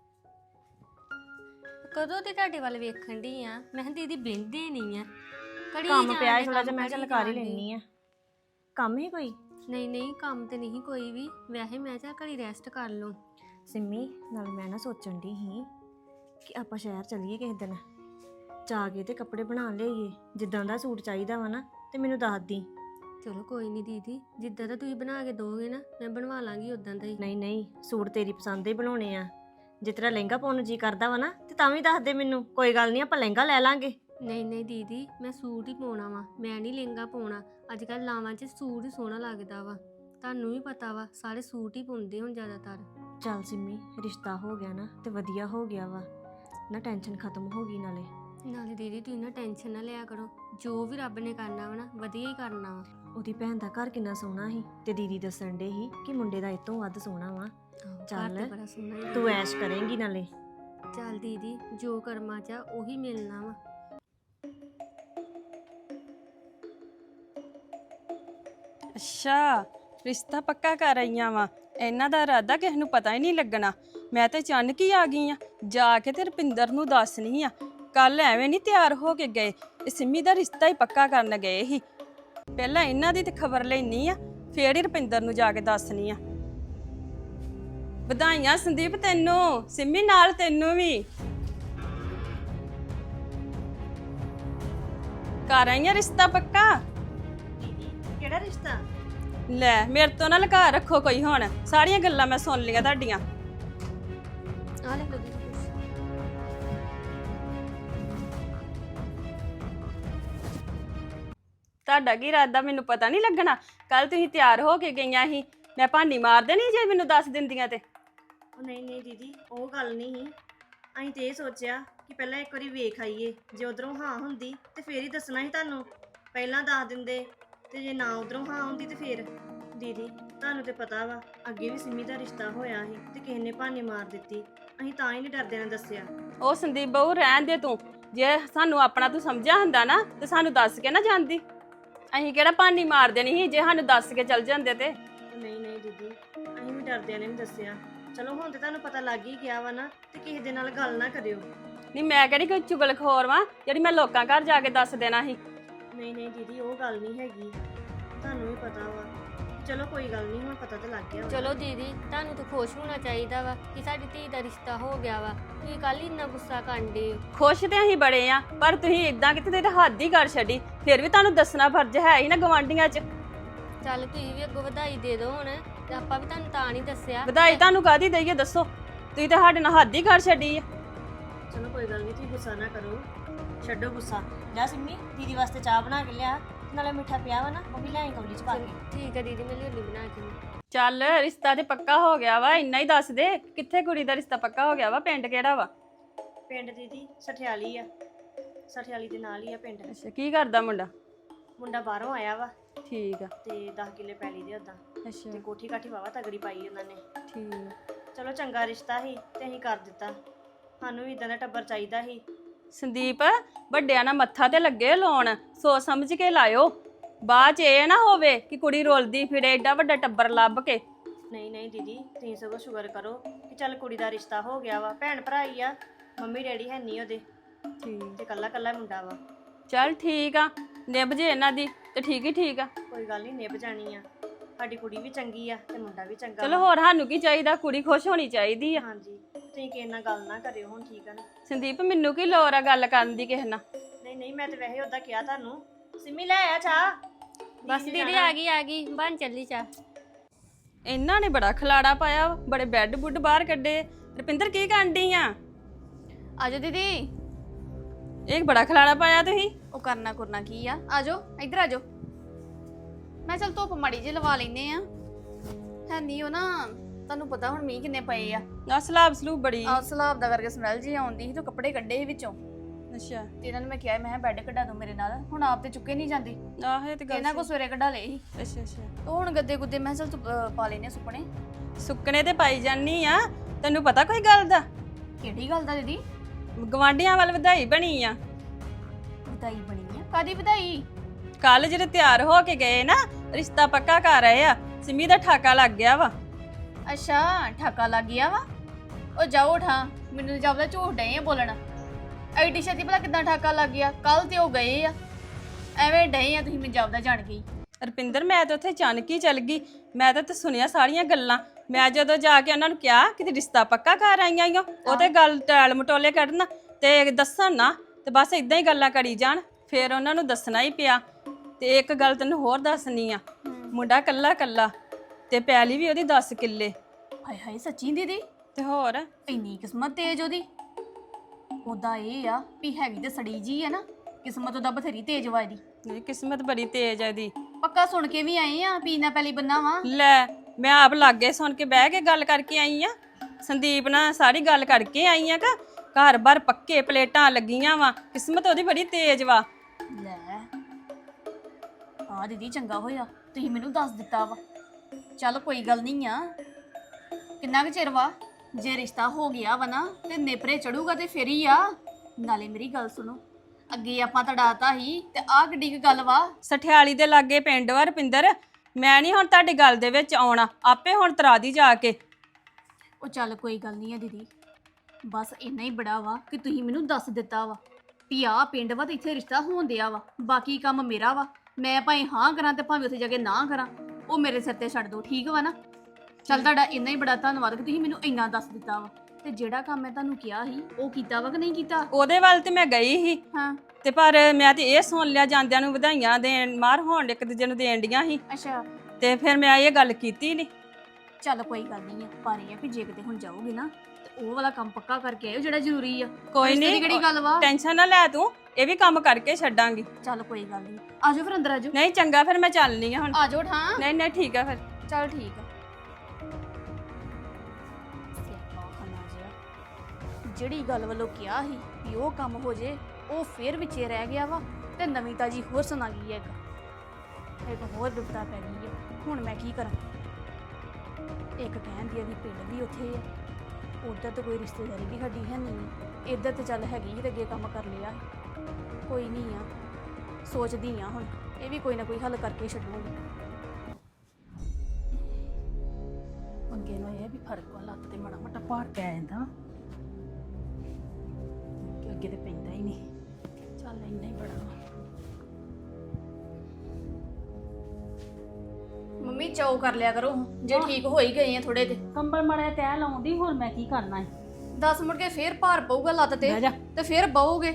Speaker 9: ਕਦੋਂ ਤੇ ਤੁਹਾਡੇ ਵੱਲ ਵੇਖਣ ਦੀ ਆ, ਮੈਂ ਕਿਹਾ ਦੀਦੀ ਬਹਿੰਦੇ ਨਹੀਂ ਆ। ਘੜੀ
Speaker 6: ਕੰਮ
Speaker 9: ਜਾਣ
Speaker 6: ਪਿਆ
Speaker 9: ਦੇ,
Speaker 6: ਥੋੜਾ ਜਿਹਾ, ਮੈਂ
Speaker 9: ਕੰਮ
Speaker 6: ਚੱਲ
Speaker 9: ਘੜੀ
Speaker 6: ਕਰ ਹੀ
Speaker 9: ਜਾਣ ਦੇ।
Speaker 6: ਲੈਣੀ ਆ। ਕੰਮ ਹੀ ਕੋਈ?
Speaker 9: ਨਹੀਂ ਨਹੀਂ, ਕੰਮ ਤੇ ਨਹੀਂ ਕੋਈ ਵੀ, ਵੈਸੇ ਮੈਂ ਕਿਹਾ ਘੜੀ ਰੈਸਟ ਕਰ ਲਓ।
Speaker 6: ਸਿੰਮੀ ਨਾਲ ਮੈਂ ਨਾ ਸੋਚਣ ਦੀ ਸੀ ਕਿ ਆਪਾਂ ਸ਼ਹਿਰ ਚੱਲੀਏ ਕਿਸੇ ਦਿਨ, ਜਾ ਕੇ ਤੇ ਕੱਪੜੇ ਬਣਾ ਲਈਏ। ਜਿੱਦਾਂ ਦਾ ਸੂਟ ਚਾਹੀਦਾ ਵਾ ਨਾ ਤੇ ਮੈਨੂੰ ਦੱਸ ਦੀ।
Speaker 9: ਚਲੋ ਕੋਈ ਨਹੀਂ ਦੀਦੀ, ਜਿੱਦਾਂ ਦਾ ਤੁਸੀਂ ਬਣਾ ਕੇ ਦੋਗੇ ਨਾ ਮੈਂ ਬਣਵਾ ਲਾਂਗੀ ਉਦਾਂ ਦਾ ਹੀ।
Speaker 6: ਨਹੀਂ ਨਹੀਂ, ਸੂਟ ਤੇਰੀ ਪਸੰਦ ਦੇ ਹੀ ਬਣਾਉਣੇ ਆ। ਜੇ ਤੇਰਾ ਲਹਿੰਗਾ ਪਾਉਣ ਨੂੰ ਜੀ ਕਰਦਾ ਵਾ ਨਾ ਤੇ ਤਾਂ ਵੀ ਦੱਸ ਦੇ ਮੈਨੂੰ, ਕੋਈ ਗੱਲ ਨਹੀਂ ਆਪਾਂ ਲਹਿੰਗਾ ਲੈ ਲਾਂਗੇ।
Speaker 9: ਨਹੀਂ ਨਹੀਂ ਦੀਦੀ, ਮੈਂ ਸੂਟ ਹੀ ਪਾਉਣਾ ਵਾ, ਮੈਂ ਨਹੀਂ ਲਹਿੰਗਾ ਪਾਉਣਾ। ਅੱਜ ਕੱਲ੍ਹ ਲਾਵਾਂ 'ਚ ਸੂਟ ਹੀ ਸੋਹਣਾ ਲੱਗਦਾ ਵਾ, ਤੁਹਾਨੂੰ ਵੀ ਪਤਾ ਵਾ ਸਾਰੇ ਸੂਟ ਹੀ ਪਾਉਂਦੇ ਹੁਣ ਜ਼ਿਆਦਾਤਰ।
Speaker 6: ਚੱਲ ਸਿੰਮੀ, ਰਿਸ਼ਤਾ ਹੋ ਗਿਆ ਨਾ ਤੇ ਵਧੀਆ ਹੋ ਗਿਆ ਵਾ ਨਾ, ਟੈਨਸ਼ਨ ਖਤਮ ਹੋ ਗਈ ਨਾਲੇ।
Speaker 9: ਨਾਲੇ ਦੀਦੀ ਤੁਸੀਂ ਨਾ ਟੈਨਸ਼ਨ ਨਾ ਲਿਆ ਕਰੋ, ਜੋ ਵੀ ਰੱਬ ਨੇ ਕਰਨਾ ਵਾ ਨਾ ਵਧੀਆ ਹੀ ਕਰਨਾ ਵਾ।
Speaker 6: ਉਹਦੀ ਭੈਣ ਦਾ ਘਰ ਕਿੰਨਾ ਸੋਹਣਾ ਸੀ ਤੇ ਦੀਦੀ ਦੱਸਣ ਡੇ ਸੀ ਕਿ ਮੁੰਡੇ ਦਾ ਇਹ ਤੋਂ ਵੱਧ ਸੋਹਣਾ ਵਾ।
Speaker 9: ਘਰ
Speaker 6: ਚੱਲ
Speaker 9: ਤੇ ਬੜਾ ਸੋਹਣਾ ਹੀ
Speaker 6: ਤੂੰ
Speaker 9: ਦੀਦੀ।
Speaker 6: ਐਸ਼ ਕਰੇਂਗੀ ਨਾਲੇ।
Speaker 9: ਚੱਲ ਦੀਦੀ, ਜੋ ਕਰਮਾਂ 'ਚ ਆ ਉਹੀ ਮਿਲਣਾ ਵਾ।
Speaker 5: ਅੱਛਾ, ਰਿਸ਼ਤਾ ਪੱਕਾ ਕਰ ਆਈਆਂ ਵਾ। ਇਹਨਾਂ ਦਾ ਇਰਾਦਾ ਕਿਸੇ ਨੂੰ ਪਤਾ ਹੀ ਨਹੀਂ ਲੱਗਣਾ। ਮੈਂ ਤੇ ਅਚਾਨਕ ਹੀ ਆ ਗਈ ਆ, ਜਾ ਕੇ ਤੇ ਰੁਪਿੰਦਰ ਨੂੰ ਦੱਸਣੀ ਆ। ਕੱਲ ਐਵੇਂ ਨਹੀਂ ਤਿਆਰ ਹੋ ਕੇ ਗਏ, ਇਹ ਸਿੰਮੀ ਦਾ ਰਿਸ਼ਤਾ ਹੀ ਪੱਕਾ ਕਰਨ ਗਏ ਸੀ। ਪਹਿਲਾਂ ਇਹਨਾਂ ਦੀ ਤੇ ਖਬਰ ਲੈਣੀ ਆ, ਫੇਰ ਹੀ ਰੁਪਿੰਦਰ ਨੂੰ ਜਾ ਕੇ ਦੱਸਣੀ ਆ। ਵਧਾਈਆਂ ਸੰਦੀਪ ਤੈਨੂੰ, ਸਿੰਮੀ ਨਾਲ ਤੈਨੂੰ ਵੀ। ਕਰ ਆਈਆਂ ਰਿਸ਼ਤਾ ਪੱਕਾ?
Speaker 6: ਕਿਹੜਾ ਰਿਸ਼ਤਾ?
Speaker 5: ਲੈ, ਮੇਰੇ ਤੋਂ ਨਾ ਲੁਕਾ ਰੱਖੋ ਕੋਈ, ਹੁਣ ਸਾਰੀਆਂ ਗੱਲਾਂ ਮੈਂ ਸੁਣ ਲਈਆਂ ਤੁਹਾਡੀਆਂ।
Speaker 9: ਆ ਲੈ ਲਓ ਦੀਦੀ।
Speaker 5: ਤੁਹਾਡਾ ਕੀ ਇਰਾਦਾ ਮੈਨੂੰ ਪਤਾ ਨਹੀਂ ਲੱਗਣਾ? ਕੱਲ ਤੁਸੀਂ ਤਿਆਰ ਹੋ ਕੇ ਗਈਆਂ ਸੀ, ਮੈਂ ਭਾਨੀ ਮਾਰ ਦੇਣੀ ਜੇ ਮੈਨੂੰ ਦੱਸ ਦਿੰਦੀਆਂ ਤੇ।
Speaker 6: ਉਹ ਨਹੀਂ ਨਹੀਂ ਦੀਦੀ, ਉਹ ਗੱਲ ਨਹੀਂ ਸੀ। ਅਸੀਂ ਤੇ ਇਹ ਸੋਚਿਆ ਕਿ ਪਹਿਲਾਂ ਇੱਕ ਵਾਰੀ ਵੇਖ ਆਈਏ, ਜੇ ਉਧਰੋਂ ਹਾਂ ਹੁੰਦੀ ਤੇ ਫੇਰ ਹੀ ਦੱਸਣਾ ਸੀ ਤੁਹਾਨੂੰ। ਪਹਿਲਾਂ ਦੱਸ ਦਿੰਦੇ ਤੇ ਜੇ ਨਾ ਉਧਰੋਂ ਹਾਂ ਹੁੰਦੀ ਤੇ ਫੇਰ। ਦੀਦੀ ਤੁਹਾਨੂੰ ਤੇ ਪਤਾ ਵਾ, ਅੱਗੇ ਵੀ ਸਿੰਮੀ ਦਾ ਰਿਸ਼ਤਾ ਹੋਇਆ ਸੀ ਤੇ ਕਿਸੇ ਨੇ ਭਾਨੇ ਮਾਰ ਦਿੱਤੀ, ਅਸੀਂ ਤਾਂ ਹੀ ਨਹੀਂ ਡਰਦੇ ਨਾਲ ਦੱਸਿਆ।
Speaker 5: ਉਹ ਸੰਦੀਪ ਬਹੂ ਰਹਿਣ ਦੇ ਤੂੰ, ਜੇ ਸਾਨੂੰ ਆਪਣਾ ਤੂੰ ਸਮਝਿਆ ਹੁੰਦਾ ਨਾ ਤੇ ਸਾਨੂੰ ਦੱਸ ਕੇ ਨਾ ਜਾਂਦੀ। ਅਸੀਂ ਕਿਹੜਾ ਭਾਨੀ ਮਾਰ ਦੇਣੀ ਸੀ ਜੇ ਸਾਨੂੰ ਦੱਸ ਕੇ ਚੱਲ ਜਾਂਦੇ ਤੇ।
Speaker 6: ਉਹ ਨਹੀਂ ਨਹੀਂ ਦੀਦੀ, ਅਸੀਂ ਵੀ ਡਰਦਿਆਂ ਨੇ ਨਹੀਂ ਦੱਸਿਆ। ਚਲੋ ਹੁਣ ਤੇ ਤੁਹਾਨੂੰ ਪਤਾ ਲੱਗ ਹੀ ਗਿਆ ਵਾ ਨਾ, ਤੇ ਕਿਸੇ ਦੇ ਨਾਲ ਗੱਲ ਨਾ ਕਰਿਓ।
Speaker 5: ਨਹੀਂ, ਮੈਂ ਕਿਹੜੀ ਕੋਈ ਚੁਗਲਖੋਰ ਵਾਂ ਜਿਹੜੀ ਮੈਂ ਲੋਕਾਂ ਘਰ ਜਾ ਕੇ ਦੱਸ ਦੇਣਾ ਸੀ।
Speaker 6: ਨਹੀਂ ਨਹੀਂ ਦੀਦੀ, ਉਹ ਗੱਲ ਨਹੀਂ ਹੈਗੀ, ਤੁਹਾਨੂੰ ਵੀ ਪਤਾ ਵਾ। ਚਲੋ ਕੋਈ ਗੱਲ ਨਹੀਂ, ਹੁਣ ਪਤਾ ਤਾਂ ਲੱਗ ਗਿਆ ਵਾ।
Speaker 9: ਚਲੋ ਦੀਦੀ, ਤੁਹਾਨੂੰ ਤਾਂ ਖੁਸ਼ ਹੋਣਾ ਚਾਹੀਦਾ ਵਾ ਕਿ ਸਾਡੀ ਧੀ ਦਾ ਰਿਸ਼ਤਾ ਹੋ ਗਿਆ ਵਾ। ਤੁਸੀਂ ਕੱਲ ਹੀ ਇੰਨਾ ਗੁੱਸਾ ਕਰਦੇ ਹੋ।
Speaker 5: ਖੁਸ਼ ਤੇ ਅਸੀਂ ਬੜੇ ਆ, ਪਰ ਤੁਸੀਂ ਇਦਾਂ ਕਿਤੇ ਤੇ ਹੱਦ ਹੀ ਕਰ ਛੱਡੀ। ਫਿਰ ਵੀ ਤੁਹਾਨੂੰ ਦੱਸਣਾ ਫਰਜ਼ ਹੈ ਹੀ ਨਾ ਗਵਾਂਢੀਆਂ 'ਚ।
Speaker 9: ਚੱਲ ਤੁਸੀਂ ਵੀ ਅੱਗੋਂ ਵਧਾਈ ਦੇ ਦਿਓ ਹੁਣ, ਤੇ ਆਪਾਂ ਵੀ ਤੁਹਾਨੂੰ ਤਾਂ ਨਹੀਂ ਦੱਸਿਆ।
Speaker 5: ਵਧਾਈ ਤੁਹਾਨੂੰ ਕਾਹਦੀ ਦਈਏ ਦੱਸੋ? ਤੁਸੀਂ ਤਾਂ ਸਾਡੇ ਨਾਲ ਹੱਦ ਹੀ ਕਰ ਛੱਡੀ ਆ।
Speaker 6: ਚਲੋ ਕੋਈ ਗੱਲ ਨਹੀਂ, ਤੁਸੀਂ ਗੁੱਸਾ ਨਾ ਕਰੋ, ਛੱਡੋ ਗੁੱਸਾ। ਜਾ ਸਿੰਮੀ, ਦੀਦੀ ਵਾਸਤੇ ਚਾਹ ਬਣਾ ਕੇ ਲਿਆ, ਨਾਲੇ ਮਿੱਠਾ ਪਿਆ ਵਾ ਨਾ, ਉਹ ਵੀ ਲਿਆਈ ਕੌਲੀ 'ਚ ਪਾ ਕੇ।
Speaker 9: ਠੀਕ ਹੈ ਦੀਦੀ, ਮੈਂ ਲਿਆਉਣੀ ਬਣਾ ਕੇ।
Speaker 5: ਚੱਲ, ਰਿਸ਼ਤਾ ਤੇ ਪੱਕਾ ਹੋ ਗਿਆ ਵਾ, ਇੰਨਾ ਹੀ ਦੱਸ ਦੇ ਕਿੱਥੇ ਕੁੜੀ ਦਾ ਰਿਸ਼ਤਾ ਪੱਕਾ ਹੋ ਗਿਆ ਵਾ, ਪਿੰਡ ਕਿਹੜਾ ਵਾ?
Speaker 6: ਪਿੰਡ ਦੀਦੀ ਸਠਿਆਲੀ ਆ, ਸਠਿਆਲੀ ਦੇ ਨਾਲ ਹੀ ਆ ਪਿੰਡ।
Speaker 5: ਅੱਛਾ, ਕੀ ਕਰਦਾ ਮੁੰਡਾ?
Speaker 6: ਮੁੰਡਾ ਬਾਹਰੋਂ ਆਇਆ ਵਾ
Speaker 5: ਠੀਕ ਆ।
Speaker 6: ਤੇ ਦਸ ਕਿੱਲੇ ਪੈਲੀ ਦੇ ਉਦਾਂ,
Speaker 5: ਅੱਛਾ,
Speaker 6: ਤੇ ਕੋਠੀ ਕਾਠੀ ਵਾਵਾ ਤਗੜੀ ਪਾਈ ਉਹਨਾਂ ਨੇ।
Speaker 5: ਠੀਕ ਆ।
Speaker 6: ਚਲੋ ਚੰਗਾ ਰਿਸ਼ਤਾ ਸੀ ਤੇ ਅਸੀਂ ਕਰ ਦਿੱਤਾ। ਸਾਨੂੰ ਵੀ ਇਦਾਂ ਦਾ ਟੱਬਰ ਚਾਹੀਦਾ ਸੀ।
Speaker 5: ਸੰਦੀਪ, ਵੱਡਿਆਂ ਨਾਲ ਮੱਥਾ ਤੇ ਲੱਗੇ ਲਾਉਣ, ਸੋਚ ਸਮਝ ਕੇ ਲਾਇਓ। ਬਾਅਦ ਚ ਇਹ ਨਾ ਹੋਵੇ ਕਿ ਕੁੜੀ ਰੋਲਦੀ ਫਿਰੇ ਏਡਾ ਵੱਡਾ ਟੱਬਰ ਲੱਭ ਕੇ।
Speaker 6: ਨਹੀਂ ਨਹੀਂ ਦੀਦੀ, ਤੁਸੀਂ ਸਗੋਂ ਸ਼ੁਕਰ ਕਰੋ ਕਿ ਚੱਲ ਕੁੜੀ ਦਾ ਰਿਸ਼ਤਾ ਹੋ ਗਿਆ ਵਾ। ਭੈਣ ਭਰਾ ਹੀ ਆ, ਮੰਮੀ ਡੈਡੀ ਹੈ ਨਹੀਂ ਉਹਦੇ,
Speaker 5: ਠੀਕ,
Speaker 6: ਤੇ ਕੱਲਾ ਕੱਲਾ ਮੁੰਡਾ ਵਾ।
Speaker 5: ਚੱਲ ਠੀਕ ਆ, ਨਿਭ ਜੇ ਇਹਨਾਂ ਦੀ ਤੇ ਠੀਕ ਹੀ ਠੀਕ ਆ।
Speaker 6: ਕੋਈ ਗੱਲ ਨਹੀਂ, ਨਿਭ ਜਾਣੀ ਆ। ਸਾਡੀ ਕੁੜੀ ਵੀ ਚੰਗੀ ਆ ਤੇ ਮੁੰਡਾ ਵੀ ਚੰਗਾ
Speaker 5: ਚਲੋ
Speaker 6: ਵਾ।
Speaker 5: ਹੋਰ ਸਾਨੂੰ ਕੀ ਚਾਹੀਦਾ, ਕੁੜੀ ਖੁਸ਼ ਹੋਣੀ ਚਾਹੀਦੀ ਆ।
Speaker 6: ਹਾਂਜੀ, ਤੁਸੀਂ ਕਿਸੇ ਨਾਲ ਗੱਲ ਨਾ ਕਰਿਓ ਹੁਣ, ਠੀਕ ਆ ਨਾ?
Speaker 5: ਸੰਦੀਪ, ਮੈਨੂੰ ਕੀ ਲੋੜ ਆ ਗੱਲ ਕਰਨ ਦੀ ਕਿਸੇ ਨਾਲ?
Speaker 6: ਨਹੀਂ ਨਹੀਂ, ਮੈਂ ਤੇ ਵੈਸੇ ਉਦਾਂ ਕਿਹਾ ਤੁਹਾਨੂੰ। ਸਿੰਮੀ ਲੈ ਆ ਚਾਹ।
Speaker 9: ਬਸ ਦੀਦੀ ਆ ਗਈ ਆ ਗਈ, ਬਣ ਚੱਲੀ ਚਾਹ।
Speaker 5: ਇਹਨਾਂ ਨੇ ਬੜਾ ਖਲਾੜਾ ਪਾਇਆ, ਬੜੇ ਬੈੱਡ ਬੁੱਡ ਬਾਹਰ ਕੱਢੇ। ਰੁਪਿੰਦਰ, ਕੀ ਕਰਨ ਡਈ ਆ?
Speaker 4: ਆਜੋ ਦੀਦੀ।
Speaker 5: ਇਹ ਬੜਾ ਖਲਾੜਾ ਪਾਇਆ ਤੁਸੀਂ।
Speaker 4: ਉਹ ਕਰਨਾ ਕਰਨਾ ਕੀ ਆ, ਆਜੋ ਇੱਧਰ ਆਜੋ। ਮੈਂ ਚਲ ਧੁੱਪ ਮੜੀ ਜੀ ਲਵਾ ਲੈਨੇ ਆ। ਹੈ ਨਹੀਂ ਉਹ ਨਾ ਤੁਹਾਨੂੰ ਪਤਾ ਹੁਣ ਮੀਂਹ ਕਿੰਨੇ ਪਏ ਆ
Speaker 5: ਆ ਸਲਾਬ ਸਲੂਬ ਬੜੀ
Speaker 4: ਆ ਸਲਾਬ ਦਾ ਕਰਕੇ ਸਮੈਲ ਜੀ ਆਉਂਦੀ ਸੀ ਤੇ ਕੱਪੜੇ ਕੱਢੇ ਸੀ ਵਿੱਚੋਂ
Speaker 5: ਅੱਛਾ
Speaker 4: ਤੇ ਇਹਨਾਂ ਨੂੰ ਮੈਂ ਕਿਹਾ ਮੈਂ ਕਿਹਾ ਬੈੱਡ ਕਢਾ ਦੋ ਮੇਰੇ ਨਾਲ ਹੁਣ ਆਪ ਤੇ ਚੁੱਕੇ ਨਹੀਂ ਜਾਂਦੇ
Speaker 5: ਆਹ ਇਹ ਤੇ ਗੱਲ
Speaker 4: ਇਹਨਾਂ ਕੋ ਸਵੇਰੇ ਕਢਾ ਲਏ ਸੀ
Speaker 5: ਅੱਛਾ ਅੱਛਾ
Speaker 4: ਤੇ ਹੁਣ ਗੱਦੇ ਗੁੱਦੇ ਮੈਂ ਕਿਹਾ ਚੱਲ ਤੂੰ ਅਹ, ਪਾ ਲੈਨੇ ਸੁੱਕਣੇ।
Speaker 5: ਸੁੱਕਣੇ ਤੇ ਪਾਈ ਜਾਨੀ ਆ ਤੈਨੂੰ ਪਤਾ ਕੋਈ ਗੱਲ ਦਾ
Speaker 4: ਕਿਹੜੀ ਗੱਲ ਦਾ ਦੀਦੀ?
Speaker 5: ਗਵਾਂਢੀਆਂ ਵੱਲ ਵਧਾਈ ਬਣੀ ਆ
Speaker 4: ਵਧਾਈ ਬਣੀ ਆ? ਕਾਦੀ ਵਧਾਈ?
Speaker 5: ਕੱਲ ਜਿਹੜੇ ਤਿਆਰ ਹੋ ਕੇ ਗਏ ਨਾ ਰਿਸ਼ਤਾ ਪੱਕਾ ਕਰ ਰਹੇ ਆ ਸਿਮੀ ਦਾ ਠਾਕਾ ਲੱਗ ਗਿਆ ਵਾ
Speaker 4: ਅੱਛਾ ਠਾਕਾ ਲੱਗ ਗਿਆ ਵਾ। ਉਹ ਜਾਓ ਠਾ ਮੈਨੂੰ ਜਾਪਦਾ ਝੂਠ ਡਏ ਆ ਬੋਲਣਾ। ਐਡੀ ਛੇਤੀ ਭਲਾ ਕਿਦਾਂ ਠਾਕਾ ਲੱਗ ਗਿਆ? ਕੱਲ ਤੇ ਉਹ ਗਏ ਆ ਐਵੇਂ ਡਏ ਆ ਤੁਸੀਂ ਮੈਨੂੰ ਜਾਪਦਾ ਜਾਣ ਕੇ ਹੀ।
Speaker 5: ਰੁਪਿੰਦਰ ਮੈਂ ਤਾਂ ਉੱਥੇ ਅਚਾਨਕ ਹੀ ਚੱਲ ਗਈ ਮੈਂ ਤਾਂ ਤੇ ਸੁਣਿਆ ਸਾਰੀਆਂ ਗੱਲਾਂ ਮੈਂ ਜਦੋਂ ਜਾ ਕੇ ਉਹਨਾਂ ਨੂੰ ਕਿਹਾ ਕਿ ਰਿਸ਼ਤਾ ਪੱਕਾ ਕਰ ਆਈਆਂ ਈਓ ਉਹ ਤੇ ਗੱਲ ਟੈਲ ਮਟੋਲੇ ਕੱਢਣ ਤੇ ਦੱਸਣ ਨਾ ਤੇ ਬਸ ਇਦਾਂ ਹੀ ਗੱਲਾਂ ਕਰੀ ਜਾਣ ਫਿਰ ਉਹਨਾਂ ਨੂੰ ਦੱਸਣਾ ਹੀ ਪਿਆ। ਤੇ ਇੱਕ ਗੱਲ ਤੈਨੂੰ ਹੋਰ ਦੱਸਣੀ ਆ ਮੁੰਡਾ ਕੱਲਾ ਕੱਲਾ ਤੇ ਪੈਲੀ ਵੀ ਉਹਦੀ ਦਸ ਕਿੱਲੇ।
Speaker 4: ਹਾਏ ਹਾਏ ਸੱਚੀ ਦੀਦੀ?
Speaker 5: ਤੇ ਹੋਰ
Speaker 4: ਇੰਨੀ ਕਿਸਮਤ ਤੇਜ ਉਹਦੀ। ਉਹਦਾ ਇਹ ਆ ਵੀ ਹੈਗੀ ਤੇ ਸੜੀ ਜੀ ਹੈ ਨਾ ਕਿਸਮਤ ਉਹਦਾ ਬਥੇਰੀ ਤੇਜ ਵਾ ਇਹਦੀ।
Speaker 5: ਇਹ ਕਿਸਮਤ ਬੜੀ ਤੇਜ਼ ਆ ਇਹਦੀ।
Speaker 4: ਪੱਕਾ ਸੁਣ ਕੇ ਵੀ ਆਏ ਆ ਵੀ ਨਾ ਪਹਿਲੀ ਬੰਨਾ ਵਾ।
Speaker 5: ਲੈ ਮੈਂ ਆਪ ਲਾਗੇ ਸੁਣ ਕੇ ਬਹਿ ਕੇ ਗੱਲ ਕਰਕੇ ਆਈ ਆ ਸੰਦੀਪ ਨਾਲ ਸਾਰੀ ਗੱਲ ਕਰਕੇ ਆਈ ਆ ਕਿ ਘਰ ਬਾਰ ਪੱਕੇ ਪਲੇਟਾਂ ਲੱਗੀਆਂ ਵਾ ਕਿਸਮਤ ਉਹਦੀ ਬੜੀ ਤੇਜ਼ ਵਾ।
Speaker 4: ਲੈ ਆ ਦੀਦੀ ਚੰਗਾ ਹੋਇਆ ਤੁਸੀਂ ਮੈਨੂੰ ਦੱਸ ਦਿੱਤਾ ਵਾ। ਚੱਲ ਕੋਈ ਗੱਲ ਨਹੀਂ ਆ ਕਿੰਨਾ ਕੁ ਚਿਰ ਵਾ ਜੇ ਰਿਸ਼ਤਾ ਹੋ ਗਿਆ ਵਾ ਨਾ ਤੇ ਨੇਪਰੇ ਚੜੂਗਾ ਤੇ ਫਿਰ ਹੀ ਆ। ਨਾਲੇ ਮੇਰੀ ਗੱਲ ਸੁਣੋ ਅੱਗੇ ਆਪਾਂ ਤੜਾਤਾ ਹੀ ਤੇ ਆਹ ਕਿੱਡੀ ਕੁ ਗੱਲ ਵਾ।
Speaker 5: ਸਠਿਆਲੀ ਦੇ ਲਾਗੇ ਪਿੰਡ ਵਾ ਰੁਪਿੰਦਰ ਮੈਂ ਨਹੀਂ ਹੁਣ ਤੁਹਾਡੀ ਗੱਲ ਦੇ ਵਿੱਚ ਆਉਣਾ ਆਪੇ ਹੁਣ ਤਰਾ ਦੀ ਜਾ ਕੇ।
Speaker 4: ਉਹ ਚੱਲ ਕੋਈ ਗੱਲ ਨਹੀਂ ਆ ਦੀਦੀ ਬਸ ਇੰਨਾ ਹੀ ਬੜਾ ਵਾ ਕਿ ਤੁਸੀਂ ਮੈਨੂੰ ਦੱਸ ਦਿੱਤਾ ਵਾ ਵੀ ਆਹ ਪਿੰਡ ਵਾ ਤੇ ਇੱਥੇ ਰਿਸ਼ਤਾ ਹੋਣ ਦਿਆ ਵਾ। ਬਾਕੀ ਕੰਮ ਮੇਰਾ ਵਾ ਮੈਂ ਭਾਵੇਂ ਹਾਂ ਕਰਾਂ ਤੇ ਭਾਵੇਂ ਉੱਥੇ ਜਾ ਕੇ ਨਾ ਕਰਾਂ ਉਹ ਮੇਰੇ ਸਿਰ ਤੇ ਛੱਡ ਦੋ ਠੀਕ ਵਾ ਨਾ। ਚੱਲ ਤੁਹਾਡਾ ਇੰਨਾ ਹੀ ਬੜਾ ਧੰਨਵਾਦ ਕਿ ਤੁਸੀਂ ਮੈਨੂੰ ਇੰਨਾ ਦੱਸ ਦਿੱਤਾ ਵਾ। ਤੇ ਜਿਹੜਾ ਕੰਮ ਮੈਂ ਤੁਹਾਨੂੰ ਕਿਹਾ ਸੀ ਉਹ ਕੀਤਾ ਵਾ ਕਿ ਨਹੀਂ ਕੀਤਾ?
Speaker 5: ਉਹਦੇ ਵੱਲ ਤੇ ਮੈਂ ਗਈ ਸੀ
Speaker 4: ਹਾਂ
Speaker 5: ਤੇ ਪਰ ਮੈਂ ਤੇ ਇਹ ਸੁਣ ਲਿਆ ਜਾਂਦਿਆਂ ਨੂੰ ਵਧਾਈਆਂ ਦੇਣ ਮਾਰ ਹੋਣ ਇੱਕ ਦੂਜੇ ਨੂੰ ਦੇਣ ਡੀਆਂ ਸੀ
Speaker 4: ਅੱਛਾ
Speaker 5: ਤੇ ਫਿਰ ਮੈਂ ਇਹ ਗੱਲ ਕੀਤੀ ਨਹੀਂ।
Speaker 4: ਚੱਲ ਕੋਈ ਗੱਲ ਨਹੀਂ ਆ ਪਰ ਇਹ ਆ ਵੀ ਜੇ ਕਿਤੇ ਹੁਣ ਜਾਓਗੇ ਨਾ ਤੇ ਉਹ ਵਾਲਾ ਕੰਮ ਪੱਕਾ ਕਰਕੇ ਆਇਓ ਜਿਹੜਾ ਜ਼ਰੂਰੀ ਆ।
Speaker 5: ਕੋਈ
Speaker 4: ਰਿਸ਼ਤੇ ਦੀ
Speaker 5: ਨਹੀਂ
Speaker 4: ਕਿਹੜੀ ਗੱਲ ਵਾ?
Speaker 5: ਟੈਨਸ਼ਨ ਨਾ ਲੈ ਤੂੰ ਇਹ ਵੀ ਕੰਮ ਕਰਕੇ ਛੱਡਾਂਗੀ।
Speaker 4: ਚੱਲ ਕੋਈ ਗੱਲ ਨਹੀਂ ਆਜੋ ਫਿਰ ਅੰਦਰ ਆਜੋ।
Speaker 5: ਨਹੀਂ ਚੰਗਾ ਫਿਰ ਮੈਂ ਚੱਲਨੀ ਆ ਹੁਣ।
Speaker 4: ਆਜੋ ਠਾਂ।
Speaker 5: ਨਹੀਂ ਨਹੀਂ ਠੀਕ ਆ ਫਿਰ।
Speaker 4: ਚੱਲ ਠੀਕ ਆ। ਸਿਆਪਾ ਖਾਨਾ ਜਿਹਾ ਜਿਹੜੀ ਗੱਲ ਵੱਲੋਂ ਕਿਹਾ ਸੀ ਵੀ ਉਹ ਕੰਮ ਹੋ ਜੇ ਉਹ ਫੇਰ ਵਿੱਚੇ ਰਹਿ ਗਿਆ ਵਾ ਤੇ ਨਵੀਂ ਤਾਜੀ ਹੋਰ ਸੁਣਾ ਗਈ ਹੈ ਇੱਕ ਇੱਕ ਹੋਰ ਦੁੱਖਦਾ ਪੈ ਗਈ ਹੈ। ਹੁਣ ਮੈਂ ਕੀ ਕਰਾਂ? ਇੱਕ ਕਹਿੰਦੀ ਆ ਵੀ ਪਿੰਡ ਵੀ ਉੱਥੇ ਆ ਉੱਧਰ ਤਾਂ ਕੋਈ ਰਿਸ਼ਤੇਦਾਰੀ ਵੀ ਸਾਡੀ ਹੈ ਨਹੀਂ ਇੱਧਰ ਤੇ ਚੱਲ ਹੈਗੀ ਸੀ ਤੇ ਅੱਗੇ ਕੰਮ ਕਰ ਲਿਆ ਕੋਈ ਨਹੀਂ ਆ ਸੋਚਦੀ ਆ ਹੁਣ ਇਹ ਵੀ ਕੋਈ ਨਾ ਕੋਈ ਹੱਲ ਕਰਕੇ ਛੱਡੂਗੀ।
Speaker 1: ਅੱਗੇ ਨੂੰ ਇਹ ਵੀ ਫਰਕ ਵਾ ਲੱਤ ਤੇ ਮਾੜਾ ਮੋਟਾ ਭਾਰ ਪੈ ਜਾਂਦਾ ਕਿ ਅੱਗੇ ਤੇ ਪੈਂਦਾ ਹੀ ਨਹੀਂ। ਚੱਲ ਇੰਨਾ ਹੀ ਬੜਾ ਵਾ।
Speaker 4: ਮੰਮੀ ਚਾਉ ਕਰ ਲਿਆ ਕਰੋ ਜੇ ਠੀਕ ਹੋ ਹੀ ਗਏ ਆ ਥੋੜੇ ਤੇ।
Speaker 1: ਕੰਬਲ ਮੜਿਆ ਤੈ ਲਾਉਂਦੀ ਹੋਰ ਮੈਂ ਕੀ ਕਰਨਾ ਹੈ?
Speaker 4: ਦਸ ਮੁੜ ਕੇ ਫੇਰ ਭਾਰ ਪਊਗਾ ਲੱਤ ਤੇ
Speaker 1: ਬਹਿ ਜਾ।
Speaker 4: ਤੇ ਫੇਰ ਬਹੋਗੇ।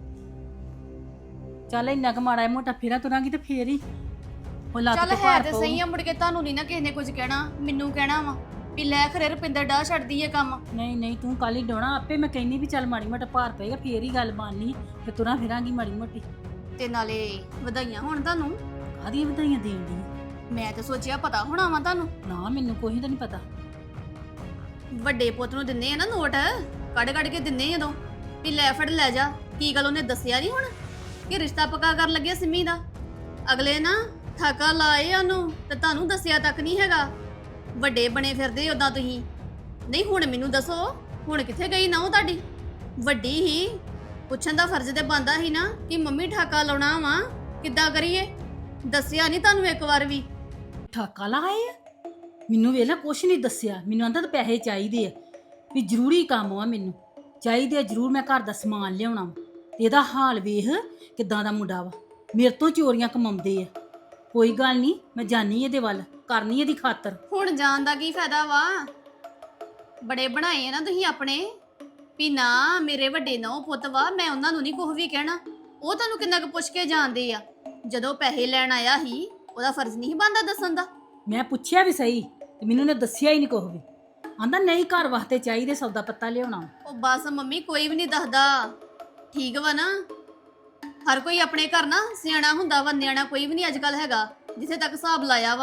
Speaker 1: ਚੱਲ ਇੰਨਾ ਕੁ ਮਾੜਾ ਮੋਟਾ ਫੇਰਾ ਤੁਰਾਂਗੀ ਤੇ ਫੇਰ ਹੀ ਉਹ ਲੱਤ
Speaker 4: ਚੱਲ
Speaker 1: ਤੇ
Speaker 4: ਹੈ
Speaker 1: ਭਾਰ
Speaker 4: ਤੇ
Speaker 1: ਪਊ।
Speaker 4: ਸਹੀ ਆ ਮੁੜ ਕੇ ਤੁਹਾਨੂੰ ਨਹੀਂ ਨਾ ਕਿਸੇ ਨੇ ਕੁਝ ਕਹਿਣਾ ਮੈਨੂੰ ਕਹਿਣਾ ਵਾ ਵੀ ਲੈ ਖਰੇ ਰੁਪਿੰਦਰ ਡਾ ਛੱਡਦੀ ਏ ਕੰਮ।
Speaker 1: ਨਹੀਂ ਨਹੀਂ ਤੂੰ ਕੱਲ ਹੀ ਡੋਣਾ ਆਪੇ ਮੈਂ ਕਹਿੰਦੀ ਵੀ ਚੱਲ ਮਾੜੀ ਮੋਟਾ ਭਾਰ ਪਏਗਾ ਫੇਰ ਹੀ ਗੱਲ ਬਣਨੀ ਤੇ ਤੁਰਾਂ ਫਿਰਾਂਗੀ ਮਾੜੀ ਮੋਟੀ।
Speaker 4: ਤੇ ਨਾਲੇ ਵਧਾਈਆਂ ਹੁਣ ਤੁਹਾਨੂੰ।
Speaker 1: ਕਾਹਦੀਆਂ ਵਧਾਈਆਂ ਦੇਣ ਦੀ?
Speaker 4: ਮੈਂ ਤਾਂ ਸੋਚਿਆ ਪਤਾ ਹੋਣਾ ਵਾ ਤੁਹਾਨੂੰ।
Speaker 1: ਨਾ ਮੈਨੂੰ ਕੋਈ ਤਾਂ ਨਹੀਂ ਪਤਾ।
Speaker 4: ਵੱਡੇ ਪੁੱਤ ਨੂੰ ਦਿੰਨੇ ਆ ਨਾ ਨੋਟ ਕੱਢ ਕੱਢ ਕੇ ਦਿੰਨੇ ਜਦੋਂ ਵੀ ਲੈ ਫੜ ਲੈ ਜਾ। ਕੀ ਗੱਲ ਉਹਨੇ ਦੱਸਿਆ ਨਹੀਂ ਹੁਣ ਕਿ ਰਿਸ਼ਤਾ ਪੱਕਾ ਕਰਨ ਲੱਗਿਆ ਸਿੰਮੀ ਦਾ? ਅਗਲੇ ਨਾ ਠਾਕਾ ਲਾਏ ਉਹਨੂੰ ਤੇ ਤੁਹਾਨੂੰ ਦੱਸਿਆ ਤੱਕ ਨਹੀਂ ਹੈਗਾ। ਵੱਡੇ ਬਣੇ ਫਿਰਦੇ ਉਦਾਂ ਤੁਸੀਂ। ਨਹੀਂ ਹੁਣ ਮੈਨੂੰ ਦੱਸੋ ਹੁਣ ਕਿੱਥੇ ਗਈ ਨਾ ਉਹ ਤੁਹਾਡੀ? ਵੱਡੀ ਹੀ ਪੁੱਛਣ ਦਾ ਫਰਜ਼ ਤੇ ਬਣਦਾ ਸੀ ਨਾ ਕਿ ਮੰਮੀ ਠਾਕਾ ਲਾਉਣਾ ਵਾ ਕਿੱਦਾਂ ਕਰੀਏ? ਦੱਸਿਆ ਨਹੀਂ ਤੁਹਾਨੂੰ ਇੱਕ ਵਾਰ ਵੀ?
Speaker 1: ਠਾਕਾ ਲਾਏ ਆ ਮੈਨੂੰ ਵੇਲਾ ਕੁਛ ਨਹੀਂ ਦੱਸਿਆ। ਮੈਨੂੰ ਆਂਦਾ ਤਾਂ ਪੈਸੇ ਚਾਹੀਦੇ ਆ ਵੀ ਜ਼ਰੂਰੀ ਕੰਮ ਆ ਮੈਨੂੰ ਚਾਹੀਦੇ ਆ ਜ਼ਰੂਰ ਮੈਂ ਘਰ ਦਾ ਸਮਾਨ ਲਿਆਉਣਾ ਵਾ। ਇਹਦਾ ਹਾਲ ਵੇਖ ਕਿੱਦਾਂ ਦਾ ਮੁੰਡਾ ਵਾ ਮੇਰੇ ਤੋਂ ਚੋਰੀਆਂ ਕਮਾਉਂਦੇ ਆ। ਕੋਈ ਗੱਲ ਨਹੀਂ ਮੈਂ ਜਾਨੀ ਇਹਦੇ ਵੱਲ ਕਰਨੀ ਇਹਦੀ ਖਾਤਰ।
Speaker 4: ਹੁਣ ਜਾਣ ਦਾ ਕੀ ਫਾਇਦਾ ਵਾ? ਬੜੇ ਬਣਾਏ ਆ ਨਾ ਤੁਸੀਂ ਆਪਣੇ ਵੀ ਨਾ ਮੇਰੇ ਵੱਡੇ ਨੌ ਪੁੱਤ ਵਾ ਮੈਂ ਉਹਨਾਂ ਨੂੰ ਨਹੀਂ ਕੁਝ ਵੀ ਕਹਿਣਾ। ਉਹ ਤੁਹਾਨੂੰ ਕਿੰਨਾ ਕੁ ਪੁੱਛ ਕੇ ਜਾਣਦੇ ਆ। ਜਦੋਂ ਪੈਸੇ ਲੈਣ ਆਇਆ ਸੀ ਉਹਦਾ ਫਰਜ਼ ਨਹੀਂ ਬਣਦਾ ਦੱਸਣ ਦਾ?
Speaker 1: ਮੈਂ ਪੁੱਛਿਆ ਵੀ ਸਹੀ ਤੇ ਮੈਨੂੰ ਨੇ ਦੱਸਿਆ ਹੀ ਨਹੀਂ ਕੁਝ ਵੀ। ਆਂਦਾ ਨਹੀਂ ਘਰ ਵਾਸਤੇ ਚਾਹੀਦੇ ਸੌਦਾ ਪੱਤਾ ਲਿਆਉਣਾ।
Speaker 4: ਉਹ ਬਸ ਮੰਮੀ ਕੋਈ ਵੀ ਨਹੀਂ ਦੱਸਦਾ ਠੀਕ ਵਾ ਨਾ। ਹਰ ਕੋਈ ਆਪਣੇ ਘਰ ਨਾ ਸਿਆਣਾ ਹੁੰਦਾ ਵਾ ਨਿਆਣਾ ਕੋਈ ਵੀ ਨਹੀਂ ਅੱਜ ਕੱਲ ਹੈਗਾ। ਜਿੱਥੇ ਤੱਕ ਹਿਸਾਬ ਲਾਇਆ ਵਾ ਮੈਂ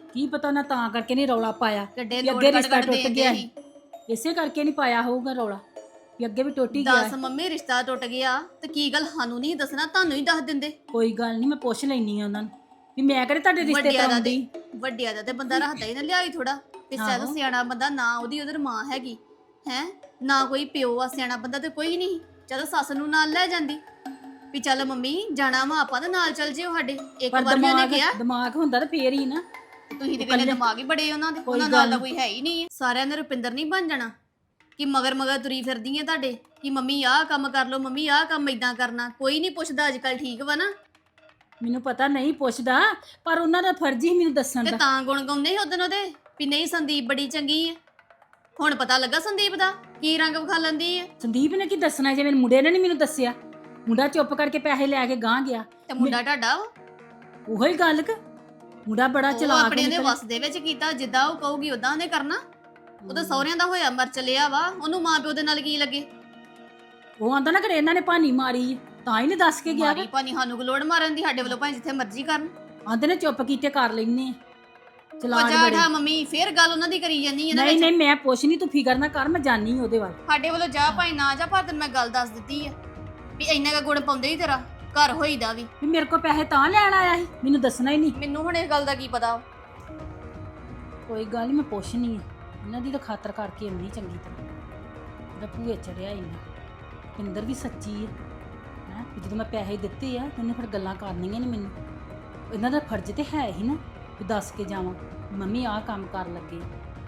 Speaker 1: ਕੀ ਪਤਾ ਨਾ ਤਾਂ ਕਰਕੇ ਨਹੀਂ ਰੌਲਾ ਪਾਇਆ
Speaker 4: ਕਿੱਡੇ
Speaker 1: ਵੀ
Speaker 4: ਲੋੜ
Speaker 1: ਅੱਗੇ
Speaker 4: ਕੱਢ
Speaker 1: ਰਿਸ਼ਤਾ
Speaker 4: ਕੱਢ
Speaker 1: ਟੁੱਟ
Speaker 4: ਦੇਣ
Speaker 1: ਗਿਆ
Speaker 4: ਡਏ
Speaker 1: ਸੀ ਇਸੇ ਕਰਕੇ ਨਹੀਂ ਪਾਇਆ ਹੋਊਗਾ ਰੌਲਾ ਵੀ ਅੱਗੇ ਵੀ ਟੁੱਟ ਹੀ ਗਿਆ
Speaker 4: ਦੱਸ ਮੰਮੀ ਰਿਸ਼ਤਾ ਟੁੱਟ ਗਿਆ ਤੇ ਕੀ ਗੱਲ ਸਾਨੂੰ ਨਹੀਂ ਦੱਸਣਾ ਤੁਹਾਨੂੰ ਹੀ ਦੱਸ ਦਿੰਦੇ।
Speaker 1: ਕੋਈ ਗੱਲ ਨਹੀਂ ਮੈਂ ਪੁੱਛ ਲੈਣੀ ਆ ਉਹਨਾਂ ਨੂੰ ਵੀ ਮੈਂ ਕਿਹੜੇ ਤੁਹਾਡੇ ਰਿਸ਼ਤੇ
Speaker 4: ਵੱਡਿਆਂ ਦਾ
Speaker 1: ਕਰਾਉਂਦੀ
Speaker 4: ਤੇ ਵੱਡਿਆਂ ਦਾ ਤੇ ਬੰਦਾ ਰੱਖਦਾ ਹੀ ਨਾ ਲਿਆਈ ਥੋੜਾ ਵੀ
Speaker 1: ਆਹੋ।
Speaker 4: ਸਹਿ ਸਿਆਣਾ ਬੰਦਾ ਨਾ ਉਹਦੀ ਉਧਰ ਮਾਂ ਹੈਗੀ ਹੈ ਨਾ ਕੋਈ ਪਿਓ ਆ ਸਿਆਣਾ ਬੰਦਾ ਤੇ ਕੋਈ ਨਹੀਂ ਚਲੋ ਸੱਸ ਨੂੰ ਨਾਲ ਲੈ ਜਾਂਦੀ ਵੀ ਚੱਲ ਮੰਮੀ ਜਾਣਾ ਵਾ ਆਪਾਂ ਤਾਂ ਨਾਲ ਚੱਲ ਜਿਓ ਸਾਡੇ ਇੱਕ
Speaker 1: ਪਰ
Speaker 4: ਵਾਰ ਵੀ ਉਹਨੇ
Speaker 1: ਦਿਮਾਗ
Speaker 4: ਕਿਹਾ
Speaker 1: ਦਿਮਾਗ ਹੁੰਦਾ ਤਾਂ ਫੇਰ ਹੀ ਨਾ
Speaker 4: ਤੁਸੀਂ ਤੇ ਕਹਿੰਦੇ ਦਿਮਾਗ ਹੀ ਬੜੇ ਉਹਨਾਂ ਦੇ
Speaker 1: ਕੋਈ
Speaker 4: ਉਹਨਾਂ ਨਾਲ
Speaker 1: ਗੱਲ
Speaker 4: ਤਾਂ ਕੋਈ ਹੈ ਹੀ ਨਹੀਂ ਹੈ। ਸਾਰਿਆਂ ਨੇ ਰੁਪਿੰਦਰ ਨਹੀਂ ਬਣ ਜਾਣਾ ਕਿ ਮਗਰ ਮਗਰ ਤੁਰੀ ਫਿਰਦੀ ਹੈ ਤੁਹਾਡੇ ਕਿ ਮੰਮੀ ਆਹ ਕੰਮ ਕਰ ਲਓ ਮੰਮੀ ਆਹ ਕੰਮ ਇਦਾਂ ਕਰਨਾ ਕੋਈ ਨਹੀਂ ਪੁੱਛਦਾ ਅੱਜ ਕੱਲ ਠੀਕ ਵਾ ਨਾ
Speaker 1: ਮੈਨੂੰ ਪਤਾ ਨਹੀਂ ਪੁੱਛਦਾ ਪਰ ਉਹਨਾਂ ਦਾ ਫਰਜ਼ ਹੀ ਮੈਨੂੰ ਦੱਸਣ
Speaker 4: ਤੇ
Speaker 1: ਦਾ
Speaker 4: ਤਾਂ ਗੁਣ ਗਾਉਂਦੇ ਸੀ ਉਦੋਂ ਉਹਦੇ ਵੀ ਨਹੀਂ ਸੰਦੀਪ ਬੜੀ ਚੰਗੀ ਹੈ ਹੁਣ ਪਤਾ ਲੱਗਾ ਸੰਦੀਪ ਦਾ ਕੀ ਰੰਗ ਵਿਖਾ ਲੈਂਦੀ ਹੈ
Speaker 1: ਸੰਦੀਪ ਨੇ ਕੀ ਦੱਸਣਾ ਜੇ ਮੇਰੇ ਮੁੰਡੇ ਨੇ ਨਹੀਂ ਮੈਨੂੰ ਦੱਸਿਆ ਮੁੰਡਾ ਚੁੱਪ ਕਰਕੇ ਪੈਸੇ ਲੈ ਕੇ ਗਾਂ ਗਿਆ
Speaker 4: ਤੇ ਮੁੰਡਾ ਤੁਹਾਡਾ ਵਾ,
Speaker 1: ਉਹੋ ਹੀ ਗੱਲ ਕਿ ਮੁੰਡਾ ਬੜਾ
Speaker 4: ਉਹ
Speaker 1: ਚਲਾਕ
Speaker 4: ਆਪਣੇ ਦੇ
Speaker 1: ਨਿਕਲਿਆ।
Speaker 4: ਵਸ ਦੇ ਵਿੱਚ ਕੀਤਾ ਜਿੱਦਾਂ ਉਹ ਕਹੂਗੀ ਉਦਾਂ ਉਹਨੇ ਕਰਨਾ ਉਹ ਤਾਂ ਸਹੁਰਿਆਂ ਦਾ ਹੋਇਆ ਮਰ ਚਲਿਆ ਵਾ ਉਹਨੂੰ ਮਾਂ ਪਿਓ ਦੇ ਨਾਲ ਕੀ ਲੱਗੇ
Speaker 1: ਉਹ ਆਂਦਾ ਨਾ ਕਿ ਇਹਨਾਂ ਨੇ ਭਾਨੀ ਮਾਰੀ ਹੈ, ਤਾਂ ਹੀ ਨਹੀਂ ਦੱਸ ਕੇ ਗਿਆ
Speaker 4: ਮਾਰੀ ਭਾਨੀ ਸਾਨੂੰ ਗਲੋੜ ਮਾਰਨ ਦੀ ਸਾਡੇ ਵੱਲੋਂ ਭਾਵੇਂ ਜਿੱਥੇ ਮਰਜ਼ੀ ਕਰਨ
Speaker 1: ਆਂਦੇ ਨੇ ਚੁੱਪ ਕੀਤੇ ਕਰ ਲੈਨੇ ਆ।
Speaker 4: ਉਹ
Speaker 1: ਚਲਾਕ
Speaker 4: ਜਾ
Speaker 1: ਬੜੇ
Speaker 4: ਠਾ ਮੰਮੀ ਫੇਰ ਗੱਲ ਉਹਨਾਂ ਦੀ ਕਰੀ ਜਾਂਦੀ ਹੈ ਨਾ
Speaker 1: ਨਹੀਂ
Speaker 4: ਵਿੱਚ।
Speaker 1: ਨਹੀਂ ਮੈਂ ਪੁੱਛ ਨਹੀਂ ਤੂੰ ਫਿਕਰ ਨਾ ਕਰ ਮੈਂ ਜਾਣੀ ਉਹਦੇ ਵੱਲ
Speaker 4: ਸਾਡੇ ਵੱਲੋਂ ਜਾ ਭਾਈ ਨਾ ਜਾ ਪਰ ਤੈਨੂੰ ਮੈਂ ਗੱਲ ਦੱਸ ਦਿੱਤੀ ਹੈ ਵੀ ਇੰਨਾ ਕਾ ਗੁਣ ਪਾਉਂਦੇ ਹੀ ਤੇਰਾ ਘਰ ਹੋਈਦਾ ਵੀ
Speaker 1: ਵੀ ਮੇਰੇ ਕੋਲ ਪੈਸੇ ਤਾਂ ਲੈਣ ਆਇਆ ਸੀ ਮੈਨੂੰ ਦੱਸਣਾ ਹੀ ਨਹੀਂ
Speaker 4: ਮੈਨੂੰ ਹੁਣ ਇਸ ਗੱਲ ਦਾ ਕੀ ਪਤਾ
Speaker 1: ਕੋਈ ਗੱਲ ਨਹੀਂ ਮੈਂ ਪੁੱਛਣੀ ਹੈ ਇਹਨਾਂ ਦੀ ਤਾਂ ਖਾਤਰ ਕਰਕੇ ਇੰਨੀ ਚੰਗੀ ਤਰ੍ਹਾਂ ਉਹਦਾ ਭੂਏ ਚੜਿਆ ਇੰਨਾ ਪਿੰਦਰ ਵੀ ਸੱਚੀ ਹੈ ਹੈਂ ਵੀ ਜਦੋਂ ਮੈਂ ਪੈਸੇ ਦਿੱਤੇ ਆ ਤੇ ਉਹਨੇ ਫਿਰ ਗੱਲਾਂ ਕਰਨੀਆਂ ਨੇ ਮੈਨੂੰ ਇਹਨਾਂ ਦਾ ਫਰਜ਼ ਤੇ ਹੈ ਹੀ ਨਾ ਵੀ ਦੱਸ ਕੇ ਜਾਵਾਂ ਮੰਮੀ ਆਹ ਕੰਮ ਕਰਨ ਲੱਗੇ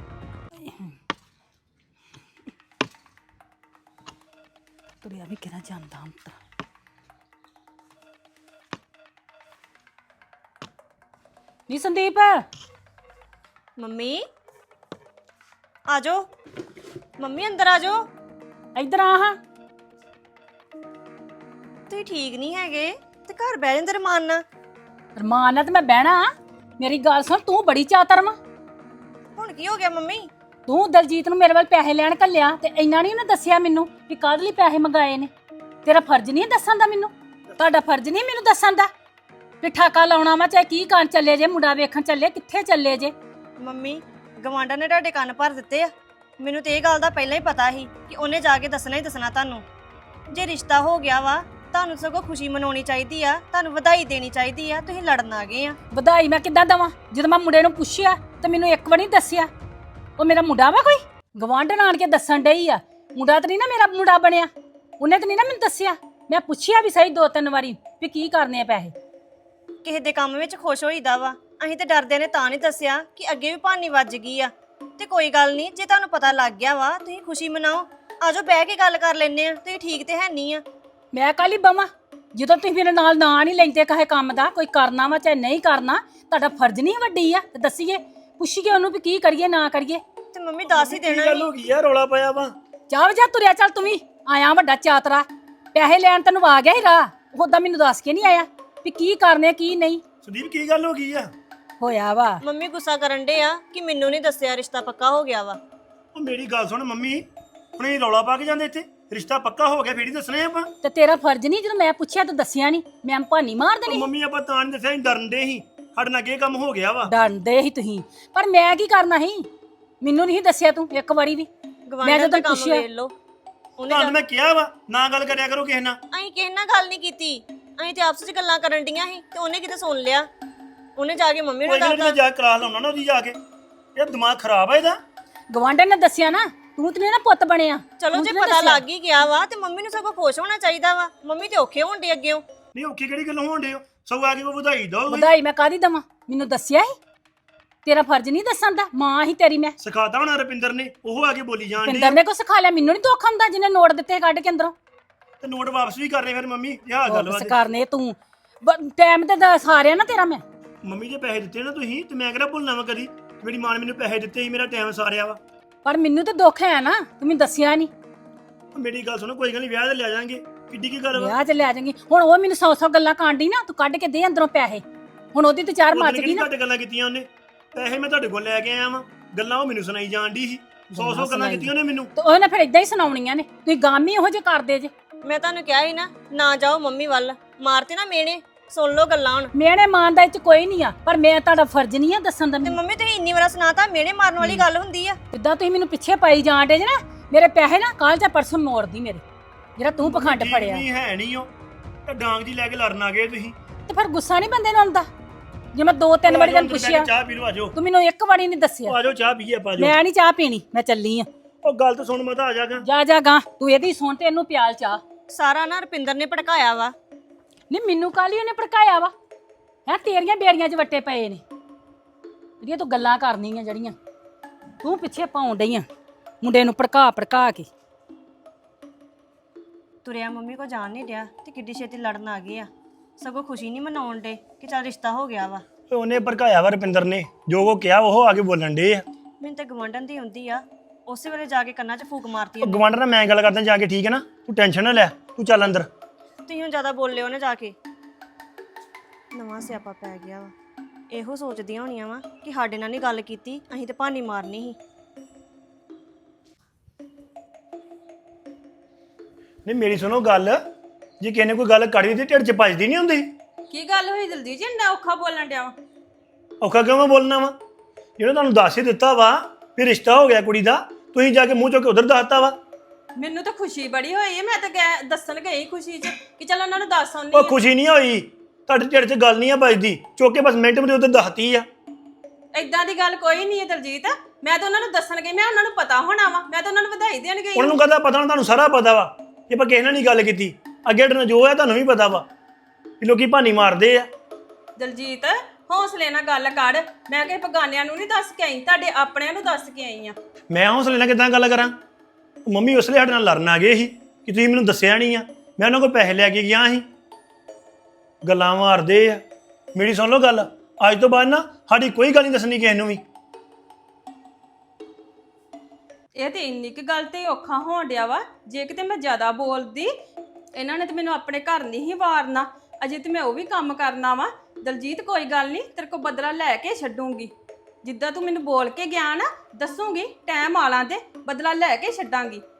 Speaker 1: ਤੁਰਿਆ ਵੀ ਕਿਹੜਾ ਜਾਂਦਾ ਹੁਣ ਤਾਂ ਨੀ ਸੰਦੀਪ
Speaker 6: ਮੰਮੀ ਆ ਜਾਓ ਮੰਮੀ ਅੰਦਰ ਆ ਜਾਓ
Speaker 1: ਇੱਧਰ ਆ ਹਾਂ
Speaker 6: ਤੁਸੀਂ ਠੀਕ ਨਹੀਂ ਹੈਗੇ ਤੇ ਘਰ ਬਹਿ ਜਾਂਦੇ ਰਮਾਨ ਨਾਲ
Speaker 1: ਰਮਾਨ ਨਾਲ ਤੇ ਮੈਂ ਬਹਿਣਾ ਮੇਰੀ ਗੱਲ ਸੁਣ ਤੂੰ ਬੜੀ ਚਾਤਰ ਵਾ
Speaker 6: ਹੁਣ ਕੀ ਹੋ ਗਿਆ ਮੰਮੀ
Speaker 1: ਤੂੰ ਦਲਜੀਤ ਨੂੰ ਮੇਰੇ ਵੱਲ ਪੈਸੇ ਲੈਣ ਘੱਲਿਆ ਤੇ ਇੰਨਾ ਨਹੀਂ ਉਹਨੇ ਦੱਸਿਆ ਮੈਨੂੰ ਵੀ ਕਾਹਦੇ ਲਈ ਪੈਸੇ ਮੰਗਾਏ ਨੇ ਤੇਰਾ ਫਰਜ਼ ਨਹੀਂ ਦੱਸਣ ਦਾ ਮੈਨੂੰ ਤੁਹਾਡਾ ਫਰਜ਼ ਨਹੀਂ ਮੈਨੂੰ ਦੱਸਣ ਦਾ ਵੀ ਠਾਕਾ ਲਾਉਣਾ ਵਾ ਚਾਹੇ ਕੀ ਕਰਨ ਚੱਲੇ ਜੇ ਮੁੰਡਾ ਵੇਖਣ ਚੱਲੇ ਕਿੱਥੇ ਚੱਲੇ ਜੇ
Speaker 6: ਮੰਮੀ ਗਵਾਂਢਾਂ ਨੇ ਤੁਹਾਡੇ ਕੰਨ ਭਰ ਦਿੱਤੇ ਆ ਮੈਨੂੰ ਤੇ ਇਹ ਗੱਲ ਦਾ ਪਹਿਲਾਂ ਹੀ ਪਤਾ ਸੀ ਕਿ ਉਹਨੇ ਜਾ ਕੇ ਦੱਸਣਾ ਹੀ ਦੱਸਣਾ ਤੁਹਾਨੂੰ ਜੇ ਰਿਸ਼ਤਾ ਹੋ ਗਿਆ ਵਾ ਤੁਹਾਨੂੰ ਸਗੋਂ ਖੁਸ਼ੀ ਮਨਾਉਣੀ ਚਾਹੀਦੀ ਆ ਤੁਹਾਨੂੰ ਵਧਾਈ ਦੇਣੀ ਚਾਹੀਦੀ ਆ ਤੁਸੀਂ ਲੜਨ ਆ ਗਏ ਆ
Speaker 1: ਵਧਾਈ ਮੈਂ ਕਿੱਦਾਂ ਦਵਾਂ ਜਦੋਂ ਮੈਂ ਮੁੰਡੇ ਨੂੰ ਪੁੱਛਿਆ ਤੇ ਮੈਨੂੰ ਇੱਕ ਵਾਰ ਨਹੀਂ ਦੱਸਿਆ ਉਹ ਮੇਰਾ ਮੁੰਡਾ ਵਾ ਕੋਈ ਗਵਾਂਢਣ ਆਣ ਕੇ ਦੱਸਣ ਡਈ ਆ ਮੁੰਡਾ ਤਾਂ ਨਹੀਂ ਨਾ ਮੇਰਾ ਮੁੰਡਾ ਬਣਿਆ ਉਹਨੇ ਤਾਂ ਨਹੀਂ ਨਾ ਮੈਨੂੰ ਦੱਸਿਆ ਮੈਂ ਪੁੱਛਿਆ ਵੀ ਸਹੀ ਦੋ ਤਿੰਨ ਵਾਰੀ ਵੀ ਕੀ ਕਰਨੇ ਆ ਪੈਸੇ
Speaker 6: ਕਿਸੇ ਦੇ ਕੰਮ ਵਿੱਚ ਖੁਸ਼ ਹੋਈਦਾ ਵਾ ਅਸੀਂ ਤੇ ਡਰਦੇ ਨੇ ਤਾਂ ਨਹੀਂ ਦੱਸਿਆ ਕਿ ਅੱਗੇ ਵੀ ਭਾਨੀ ਵੱਜ ਗਈ ਆ ਤੇ ਕੋਈ ਗੱਲ ਨਹੀਂ ਜੇ ਤੁਹਾਨੂੰ ਪਤਾ ਲੱਗ ਗਿਆ ਵਾ ਤੁਸੀਂ ਖੁਸ਼ੀ ਮਨਾਓ ਆਜੋ ਬਹਿ ਕੇ ਗੱਲ ਕਰ ਲੈਨੇ ਆ ਤੁਸੀਂ ਠੀਕ ਤੇ ਹੈ ਨਹੀਂ ਆ
Speaker 1: ਮੈਂ ਕਾਲੀ ਬਵਾਂ ਜਦੋਂ ਤੁਸੀਂ ਮੇਰੇ ਨਾਲ ਨਾਂ ਨਹੀਂ ਲੈਂਦੇ ਕਹੇ ਕੰਮ ਦਾ ਕੋਈ ਕਰਨਾ ਵਾ ਚਾਹੇ ਨਹੀਂ ਕਰਨਾ ਤੁਹਾਡਾ ਫਰਜ਼ ਨਹੀਂ ਵੱਡੀ ਆ ਤੇ ਦੱਸੀਏ ਪੁੱਛੀਏ ਉਹਨੂੰ ਵੀ ਕੀ ਕਰੀਏ ਨਾ ਕਰੀਏ
Speaker 6: ਤੇ ਮੰਮੀ ਦੱਸ ਹੀ
Speaker 3: ਕੀ
Speaker 6: ਦੇਣਾ
Speaker 3: ਗੱਲ
Speaker 6: ਸੀ।
Speaker 3: ਹੋ ਗਈ ਆ ਰੌਲਾ ਪਾਇਆ ਵਾ
Speaker 1: ਚਾਹ ਜਾ ਤੁਰਿਆ ਚੱਲ ਤੂੰ ਵੀ ਆਇਆ ਵੱਡਾ ਚਾਤਰਾ ਪੈਸੇ ਲੈਣ ਤੈਨੂੰ ਆ ਗਿਆ ਹੀ ਰਾਹ ਉਹਦਾ ਮੈਨੂੰ ਦੱਸ ਕੇ ਨਹੀਂ ਆਇਆ ਵੀ ਕੀ ਕਰਨੇ ਕੀ ਨਹੀਂ
Speaker 3: ਸੰਦੀਪ ਕੀ ਗੱਲ ਹੋ ਗਈ ਆ
Speaker 1: ਹੋਇਆ ਵਾ
Speaker 6: ਮੰਮੀ ਗੁੱਸਾ ਕਰਨ ਡੇ ਆ ਕਿ ਮੈਨੂੰ ਨਹੀਂ ਦੱਸਿਆ ਰਿਸ਼ਤਾ ਪੱਕਾ ਹੋ ਗਿਆ ਵਾ
Speaker 3: ਉਹ ਮੇਰੀ ਗੱਲ ਸੁਣ ਮੰਮੀ ਹੁਣ ਇਹ ਰੌਲਾ ਪਾ ਕੇ ਜਾਂਦੇ ਇੱਥੇ ਰਿਸ਼ਤਾ ਪੱਕਾ ਹੋ ਗਿਆ ਫੇਰ ਹੀ ਦੱਸਣੇ ਆਪਾਂ
Speaker 1: ਤੇ ਤੇਰਾ ਫਰਜ਼ ਨਹੀਂ ਜਦੋਂ ਮੈਂ ਪੁੱਛਿਆ ਤੂੰ ਦੱਸਿਆ ਨਹੀਂ ਮੈਂ ਭਾਨੀ ਮਾਰ
Speaker 3: ਉਹ
Speaker 1: ਦੇਣੀ
Speaker 3: ਮੰਮੀ ਆਪਾਂ ਤਾਂ ਨਹੀਂ ਦੱਸਿਆ ਅਸੀਂ ਡਰਨ ਦੇ ਸੀ ਸਾਡੇ ਨਾਲ ਕੀ ਕੰਮ ਹੋ ਗਿਆ ਵਾ
Speaker 1: ਡਰਦੇ ਹੀ ਤੁਸੀਂ ਪਰ ਮੈਂ ਕੀ ਕਰਨਾ ਸੀ ਮੈਨੂੰ ਨਹੀਂ ਦੱਸਿਆ ਤੂੰ ਇੱਕ ਵਾਰੀ ਵੀ
Speaker 6: ਗਵਾਂਢਾਂ
Speaker 1: ਜਦੋਂ
Speaker 6: ਦਾ ਕੰਮ
Speaker 1: ਪੁੱਛਿਆ-
Speaker 6: ਵੇਖ ਲਓ ਉਹਨੇ
Speaker 3: ਤੁਹਾਨੂੰ ਮੈਂ ਕਿਹਾ ਵਾ ਨਾ ਗੱਲ ਕਰਿਆ ਕਰੋ ਕਿਸੇ ਨਾਲ
Speaker 6: ਅਸੀਂ ਕਿਸੇ ਨਾਲ ਗੱਲ ਨਹੀਂ ਕੀਤੀ ਅਸੀਂ ਤੇ ਆਪਸ ਵਿੱਚ ਗੱਲਾਂ ਕਰਨ ਡੀਆਂ ਸੀ ਤੇ ਉਹਨੇ ਕਿਤੇ ਸੁਣ ਲਿਆ ਉਹਨੇ ਜਾ ਕੇ ਮੰਮੀ ਨੂੰ
Speaker 3: ਕੋਈ ਗੱਲ ਨੀ,
Speaker 6: ਦੱਸਦਾ
Speaker 3: ਮੈਂ ਜਾ ਕੇ ਕਲਾਸ ਲਾਉਣਾ ਨਾ ਉਹਦੀ ਜਾ ਕੇ ਇਹ ਦਿਮਾਗ ਖਰਾਬ ਆ ਇਹਦਾ
Speaker 1: ਗਵਾਂਢਣ ਨੇ ਦੱਸਿਆ ਨਾ ਤੂੰ ਤੇ ਨੀ ਨਾ ਪੁੱਤ ਬਣਿਆ
Speaker 6: ਚਲੋ
Speaker 1: ਤੂੰ
Speaker 6: ਜੇ
Speaker 1: ਤੇ ਨੀ
Speaker 6: ਪਤਾ
Speaker 1: ਦੱਸਿਆ।
Speaker 6: ਲੱਗ ਹੀ ਗਿਆ ਵਾ ਤੇ ਮੰਮੀ ਨੂੰ ਸਗੋਂ ਖੁਸ਼ ਹੋਣਾ ਚਾਹੀਦਾ ਵਾ ਮੰਮੀ ਤੇ ਔਖੇ ਹੋਣ ਡੇ ਅੱਗੇੋਂ
Speaker 3: ਨਹੀਂ ਔਖੀ ਕਿਹੜੀ ਗੱਲ ਹੋਣ ਡੇ ਹੋ ਸਗੋਂ ਆ ਕੇ ਕੋਈ ਵਧਾਈ ਦੋ
Speaker 1: ਵਧਾਈ ਮੈਂ ਕਾਦੀ ਦਵਾਂ ਮੈਨੂੰ ਦੱਸਿਆ ਹੀ ਤੇਰਾ ਫਰਜ਼ ਨਹੀਂ ਦੱਸਣ ਦਾ ਮਾਂ ਹੀ ਤੇਰੀ ਮੈਂ
Speaker 3: ਸਿਖਾਤਾ ਹੋਣਾ ਰੁਪਿੰਦਰ ਨੇ ਉਹ ਆ ਕੇ ਬੋਲੀ ਜਾਣ
Speaker 1: ਪਿੰਦਰ
Speaker 3: ਡੀ
Speaker 1: ਨੇ ਕੋ ਸਿਖਾ ਲਿਆ ਮੈਨੂੰ ਨਹੀਂ ਦੁੱਖ ਹੁੰਦਾ ਜਿਹਨੇ ਨੋਟ ਦਿੱਤੇ ਕੱਢ ਕੇ ਅੰਦਰੋਂ
Speaker 3: ਤੇ ਨੋਟ ਵਾਪਸ ਵੀ ਕਰਨੇ ਫਿਰ ਮੰਮੀ ਇਹ ਆ ਗੱਲ ਵਾ
Speaker 1: ਵਾਪਸ ਕਰਨੇ ਤੂੰ ਟਾਈਮ ਤੇ ਦੱਸ ਆ ਰਿਹਾ ਨਾ ਤੇਰਾ ਮੈਂ
Speaker 3: ਮੰਮੀ ਜੇ ਪੈਸੇ ਦਿੱਤੇ ਨਾ ਤੁਸੀਂ ਤੇ ਮੈਂ ਕਿਹੜਾ ਭੁੱਲਣਾ ਵਾ ਕਦੀ ਮੇਰੀ ਮਾਂ ਨੇ ਮੈਨੂੰ ਪੈਸੇ ਦਿੱਤੇ ਸੀ ਮੇਰਾ ਟਾਈਮ ਸਾਰਿਆ ਵਾ
Speaker 1: ਪਰ ਮੈਨੂੰ ਤੇ ਦੁੱਖ ਹੈ ਨਾ ਤੂੰ ਮੈਨੂੰ ਦੱਸਿਆ ਨਹੀਂ
Speaker 3: ਮੇਰੀ ਗੱਲ ਸੁਣੋ ਕੋਈ ਗੱਲ ਨਹੀਂ ਵਿਆਹ ਤੇ ਲੈ ਜਾਾਂਗੇ ਕਿੱਡੀ ਕੀ ਗੱਲ ਵਾ
Speaker 1: ਵਿਆਹ ਚ ਲੈ ਜਾਵਾਂਗੀ ਹੁਣ ਉਹ ਮੈਨੂੰ ਸੌ ਸੌ ਗੱਲਾਂ ਕਾਂਡੀ ਨਾ ਤੂੰ ਕੱਢ ਕੇ ਦੇ ਅੰਦਰੋਂ ਪੈਸੇ ਹੁਣ ਉਹਦੀ ਤੇ ਚਾਰ ਮੱਚ ਗਈ ਨਾ
Speaker 3: ਘੱਟ ਗੱਲਾਂ ਕੀਤੀਆਂ ਉਹਨੇ ਪੈਸੇ ਮੈਂ ਤੁਹਾਡੇ ਕੋਲ ਲੈ ਕੇ ਆਇਆ ਵਾਂ ਗੱਲਾਂ ਉਹ ਮੈਨੂੰ ਸੁਣਾਈ ਜਾਣ ਦੀ ਸੀ ਸੌ ਸੌ ਗੱਲਾਂ ਕੀਤੀਆਂ ਉਹਨੇ ਮੈਨੂੰ
Speaker 1: ਤੇ ਉਹਨੇ ਫਿਰ ਇਦਾਂ ਹੀ ਸੁਣਾਉਣੀਆਂ ਨੇ ਤੁਸੀਂ ਗਾਮੀ ਇਹੋ ਜਿਹੇ ਕਰਦੇ ਜੇ
Speaker 6: ਮੈਂ ਤੁਹਾਨੂੰ ਕਿਹਾ ਸੀ ਨਾ ਨਾ ਜਾਓ ਮੰਮੀ ਵੱਲ ਮਾਰਤੇ ਨਾ ਮੇਨੇ ਸੁਣ ਲਓ ਗੱਲਾਂ ਹੁਣ।
Speaker 1: ਮੇਰੇ ਮਾਨ ਦਾ ਇਹ ਚ ਕੋਈ ਨਹੀਂ ਆ, ਪਰ ਮੈਂ ਤੁਹਾਡਾ ਫਰਜ਼ ਨਹੀਂ ਆ ਦੱਸਣ ਦਾ।
Speaker 6: ਤੇ ਮੰਮੀ ਤੁਸੀਂ ਇੰਨੀ ਵਾਰ ਸੁਣਾਤਾ, ਮੇਰੇ ਮਾਰਨ ਵਾਲੀ ਗੱਲ ਹੁੰਦੀ ਆ।
Speaker 1: ਜਿੱਦਾਂ ਤੁਸੀਂ ਮੈਨੂੰ ਪਿੱਛੇ ਪਾਈ ਜਾਣ ਡੇ ਜੇ ਨਾ, ਮੇਰੇ ਪੈਸੇ ਨਾ ਕੱਲ ਜਾਂ ਪਰਸੋਂ ਮੋੜਦੀ ਮੇਰੇ, ਜਿਹੜਾ ਤੂੰ ਪਖੰਡ ਫੜਿਆ।
Speaker 3: ਨਹੀਂ ਹੈ ਨਹੀਂ ਉਹ ਤਾਂ ਡਾਂਗ ਜੀ ਲੈ ਕੇ ਲੜਨ ਆ ਗਏ ਤੁਸੀਂ।
Speaker 1: ਤੇ ਫਿਰ ਗੁੱਸਾ ਨਹੀਂ ਬੰਦੇ ਨੂੰ ਆਉਂਦਾ? ਜੇ ਮੈਂ ਦੋ ਤਿੰਨ ਵਾਰੀ ਤੈਨੂੰ ਪੁੱਛਿਆ,
Speaker 3: ਚਾਹ ਪੀ ਲਓ, ਆਜੋ
Speaker 1: ਤੂੰ ਮੈਨੂੰ ਇੱਕ ਵਾਰੀ ਨਹੀਂ ਦੱਸਿਆ।
Speaker 3: ਆਜੋ ਚਾਹ ਪੀਏ ਆਪਾਂ, ਆਜੋ।
Speaker 1: ਮੈਂ ਨਹੀਂ ਚਾਹ ਪੀਣੀ, ਮੈਂ ਚੱਲੀ ਆ।
Speaker 3: ਉਹ ਗੱਲ ਤਾਂ ਸੁਣ, ਮਤਾ ਆ ਜਾਗਾ।
Speaker 1: ਜਾ ਜਾ ਗਾ, ਤੂੰ ਇਹਦੀ ਸੁਣ ਤੇ ਇਹਨੂੰ ਪਿਆਲ ਚਾਹ।
Speaker 6: ਸਾਰਾ ਨਾ ਰੁਪਿੰਦਰ ਨੇ ਭੜਕਾਇਆ ਵਾ।
Speaker 1: ਨਹੀਂ ਮੈਨੂੰ ਕਾਲੀ ਉਹਨੇ ਭੜਕਾਇਆ ਵਾ? ਹੈ ਤੇਰੀਆਂ ਬੇੜੀਆਂ 'ਚ ਵੱਟੇ ਪਏ ਨੇ, ਜਿਹੜੀਆਂ ਤੂੰ ਗੱਲਾਂ ਕਰਨੀਆਂ, ਜਿਹੜੀਆਂ ਤੂੰ ਪਿੱਛੇ ਪਾਉਣ ਡਈ ਆ ਮੁੰਡੇ ਨੂੰ ਭੜਕਾ ਭੜਕਾ ਕੇ।
Speaker 6: ਤੁਰਿਆ ਮੰਮੀ ਕੋ ਜਾਣ ਨਹੀਂ ਡਿਆ ਤੇ ਕਿੱਡੀ ਛੇਤੀ ਲੜਨ ਆ ਗਏ ਆ। ਸਗੋਂ ਖੁਸ਼ੀ ਨਹੀਂ ਮਨਾਉਣ ਡੇ ਕਿ ਚੱਲ ਰਿਸ਼ਤਾ ਹੋ ਗਿਆ ਵਾ।
Speaker 3: ਤੇ ਉਹਨੇ ਭੜਕਾਇਆ ਵਾ ਰੁਪਿੰਦਰ ਨੇ, ਜੋ ਉਹ ਕਿਹਾ ਉਹ ਆ ਕੇ ਬੋਲਣ ਡੇ ਆ।
Speaker 6: ਮੈਨੂੰ ਤਾਂ ਗਵੰਡਨ ਦੀ ਹੁੰਦੀ ਆ, ਉਸੇ ਵੇਲੇ ਜਾ ਕੇ ਕੰਨਾਂ 'ਚ ਫੂਕ ਮਾਰਤੀ
Speaker 3: ਉਹ
Speaker 6: ਉਹਨੇ।
Speaker 3: ਗਵਾਂਢ ਨਾਲ ਮੈਂ ਗੱਲ ਕਰਦਾ ਜਾ ਕੇ, ਠੀਕ ਹੈ ਨਾ? ਤੂੰ ਟੈਨਸ਼ਨ ਨਾ ਲੈ, ਤੂੰ ਚੱਲ ਅੰਦਰ।
Speaker 6: ਤੁਸੀਂ ਹੁਣ ਜ਼ਿਆਦਾ ਬੋਲਿਓ ਨਾ ਜਾ ਕੇ। ਨਵਾਂ ਸਿਆਪਾ ਪੈ ਗਿਆ ਵਾ। ਇਹੋ ਸੋਚਦੀਆਂ ਹੋਣੀਆਂ ਵਾ ਕਿ ਸਾਡੇ ਨਾਲ ਨਹੀਂ ਗੱਲ ਕੀਤੀ, ਅਸੀਂ ਤੇ ਭਾਨੀ ਮਾਰਨੀ ਸੀ।
Speaker 3: ਨਹੀਂ ਮੇਰੀ ਸੁਣੋ ਗੱਲ, ਜੇ ਕਿਸੇ ਨੇ ਕੋਈ ਗੱਲ ਕੜੀ ਤੇ ਢਿੱਡ 'ਚ ਭੱਜਦੀ ਨਹੀਂ ਹੁੰਦੀ।
Speaker 5: ਕੀ ਗੱਲ ਹੋਈ ਦਲਜੀਤ ਜੀ, ਇੰਨਾ ਔਖਾ ਬੋਲਣ ਡਿਆ ਵਾ?
Speaker 3: ਔਖਾ ਕਿਉਂ ਮੈਂ ਬੋਲਣਾ ਵਾ? ਜਿਹੜਾ ਤੁਹਾਨੂੰ ਦੱਸ ਹੀ ਦਿੱਤਾ ਵਾ ਵੀ ਰਿਸ਼ਤਾ ਹੋ ਗਿਆ ਕੁੜੀ ਦਾ, ਤੁਸੀਂ ਜਾ ਕੇ ਮੂੰਹ ਚੁੱਕ ਕੇ ਉਧਰ ਦੱਸਤਾ ਵਾ।
Speaker 5: ਮੈਨੂੰ ਤਾਂ ਖੁਸ਼ੀ ਬੜੀ ਹੋਈ ਹੈ, ਮੈਂ ਤਾਂ ਗੈ- ਦੱਸਣ ਗਈ ਖੁਸ਼ੀ 'ਚ ਕਿ ਚਲ ਉਹਨਾਂ ਨੂੰ ਦੱਸ ਆਉਣੀ
Speaker 3: ਉਹ ਖੁਸ਼ੀ ਨਹੀਂ ਹੋਈ, ਤੁਹਾਡੇ ਢਿੱਡ 'ਚ ਗੱਲ ਨਹੀਂ ਆ ਵੱਜਦੀ, ਚੁੱਕ ਕੇ ਬਸ ਮਿੰਟ ਮਿੰਟ ਉਧਰ ਦੱਸਤੀ ਆ।
Speaker 5: ਏਦਾਂ ਦੀ ਗੱਲ ਕੋਈ ਨਹੀਂ ਹੈ ਦਲਜੀਤ, ਮੈਂ ਤਾਂ ਉਹਨਾਂ ਨੂੰ ਦੱਸਣ ਗਈ, ਮੈਂ ਉਹਨਾਂ ਨੂੰ ਪਤਾ ਹੋਣਾ ਵਾ, ਮੈਂ ਤਾਂ ਉਹਨਾਂ ਨੂੰ ਵਧਾਈ ਦੇਣ ਗਈ।
Speaker 3: ਉਹਨਾਂ ਨੂੰ ਕਹਦਾ ਪਤਾ ਨਾ, ਤੁਹਾਨੂੰ ਸਾਰਾ ਪਤਾ ਵਾ ਕਿ ਆਪਾਂ ਕਿਸੇ ਨਾਲ ਨਹੀਂ ਗੱਲ ਕੀਤੀ। ਅੱਗੇ ਡਰ ਜੋ ਹੈ ਤੁਹਾਨੂੰ ਵੀ ਪਤਾ ਵਾ ਕਿ ਲੋਕੀ ਭਾਨੀ ਮਾਰਦੇ ਆ।
Speaker 5: ਦਲਜੀਤ ਹੌਸਲੇ ਨਾਲ ਗੱਲ ਕਰ, ਮੈਂ ਕਿਸੇ ਬਗਾਨਿਆਂ ਨੂੰ ਨਹੀਂ ਦੱਸ ਕੇ ਆਈ, ਤੁਹਾਡੇ ਆਪਣਿਆਂ ਨੂੰ ਦੱਸ ਕੇ ਆਈ ਆ।
Speaker 3: ਮੈਂ ਹੌਸਲੇ ਨਾਲ ਕਿੱਦਾਂ ਗੱਲ ਕਰਾਂ? ਉਹ ਮੰਮੀ ਉਸ ਲਈ ਸਾਡੇ ਨਾਲ ਲੜਨ ਆ ਗਏ ਸੀ ਕਿ ਤੁਸੀਂ ਮੈਨੂੰ ਦੱਸਿਆ ਨਹੀਂ ਆ, ਮੈਂ ਉਹਨਾਂ ਕੋਲ ਪੈਸੇ ਲੈ ਕੇ ਗਿਆ ਸੀ। ਗੱਲਾਂ ਮਾਰਦੇ ਆ। ਮੇਰੀ ਸੁਣ ਲਓ ਗੱਲ, ਅੱਜ ਤੋਂ ਬਾਅਦ ਨਾ ਸਾਡੀ ਕੋਈ ਗੱਲ ਨਹੀਂ ਦੱਸਣੀ ਕਿਸੇ ਨੂੰ ਵੀ।
Speaker 5: ਇਹ ਤੇ ਇੰਨੀ ਕੁ ਗੱਲ ਤੇ ਔਖਾ ਹੋਣ ਡਿਆ ਵਾ, ਜੇ ਕਿਤੇ ਮੈਂ ਜ਼ਿਆਦਾ ਬੋਲਦੀ ਇਹਨਾਂ ਨੇ ਤੇ ਮੈਨੂੰ ਆਪਣੇ ਘਰ ਨਹੀਂ ਹੀ ਵਾਰਨਾ, ਅਜੇ ਤੇ ਮੈਂ ਉਹ ਵੀ ਕੰਮ ਕਰਨਾ ਵਾ। ਦਲਜੀਤ ਕੋਈ ਗੱਲ ਨਹੀਂ, ਤੇਰੇ ਕੋਲ ਬਦਲਾ ਲੈ ਕੇ ਛੱਡੂੰਗੀ, ਜਿੱਦਾਂ ਤੂੰ ਮੈਨੂੰ ਬੋਲ ਕੇ ਗਿਆ ਨਾ, ਦੱਸੂਗੀ ਟਾਈਮ ਆਲਾਂ ਤੇ ਬਦਲਾ ਲੈ ਕੇ ਛੱਡਾਂਗੀ।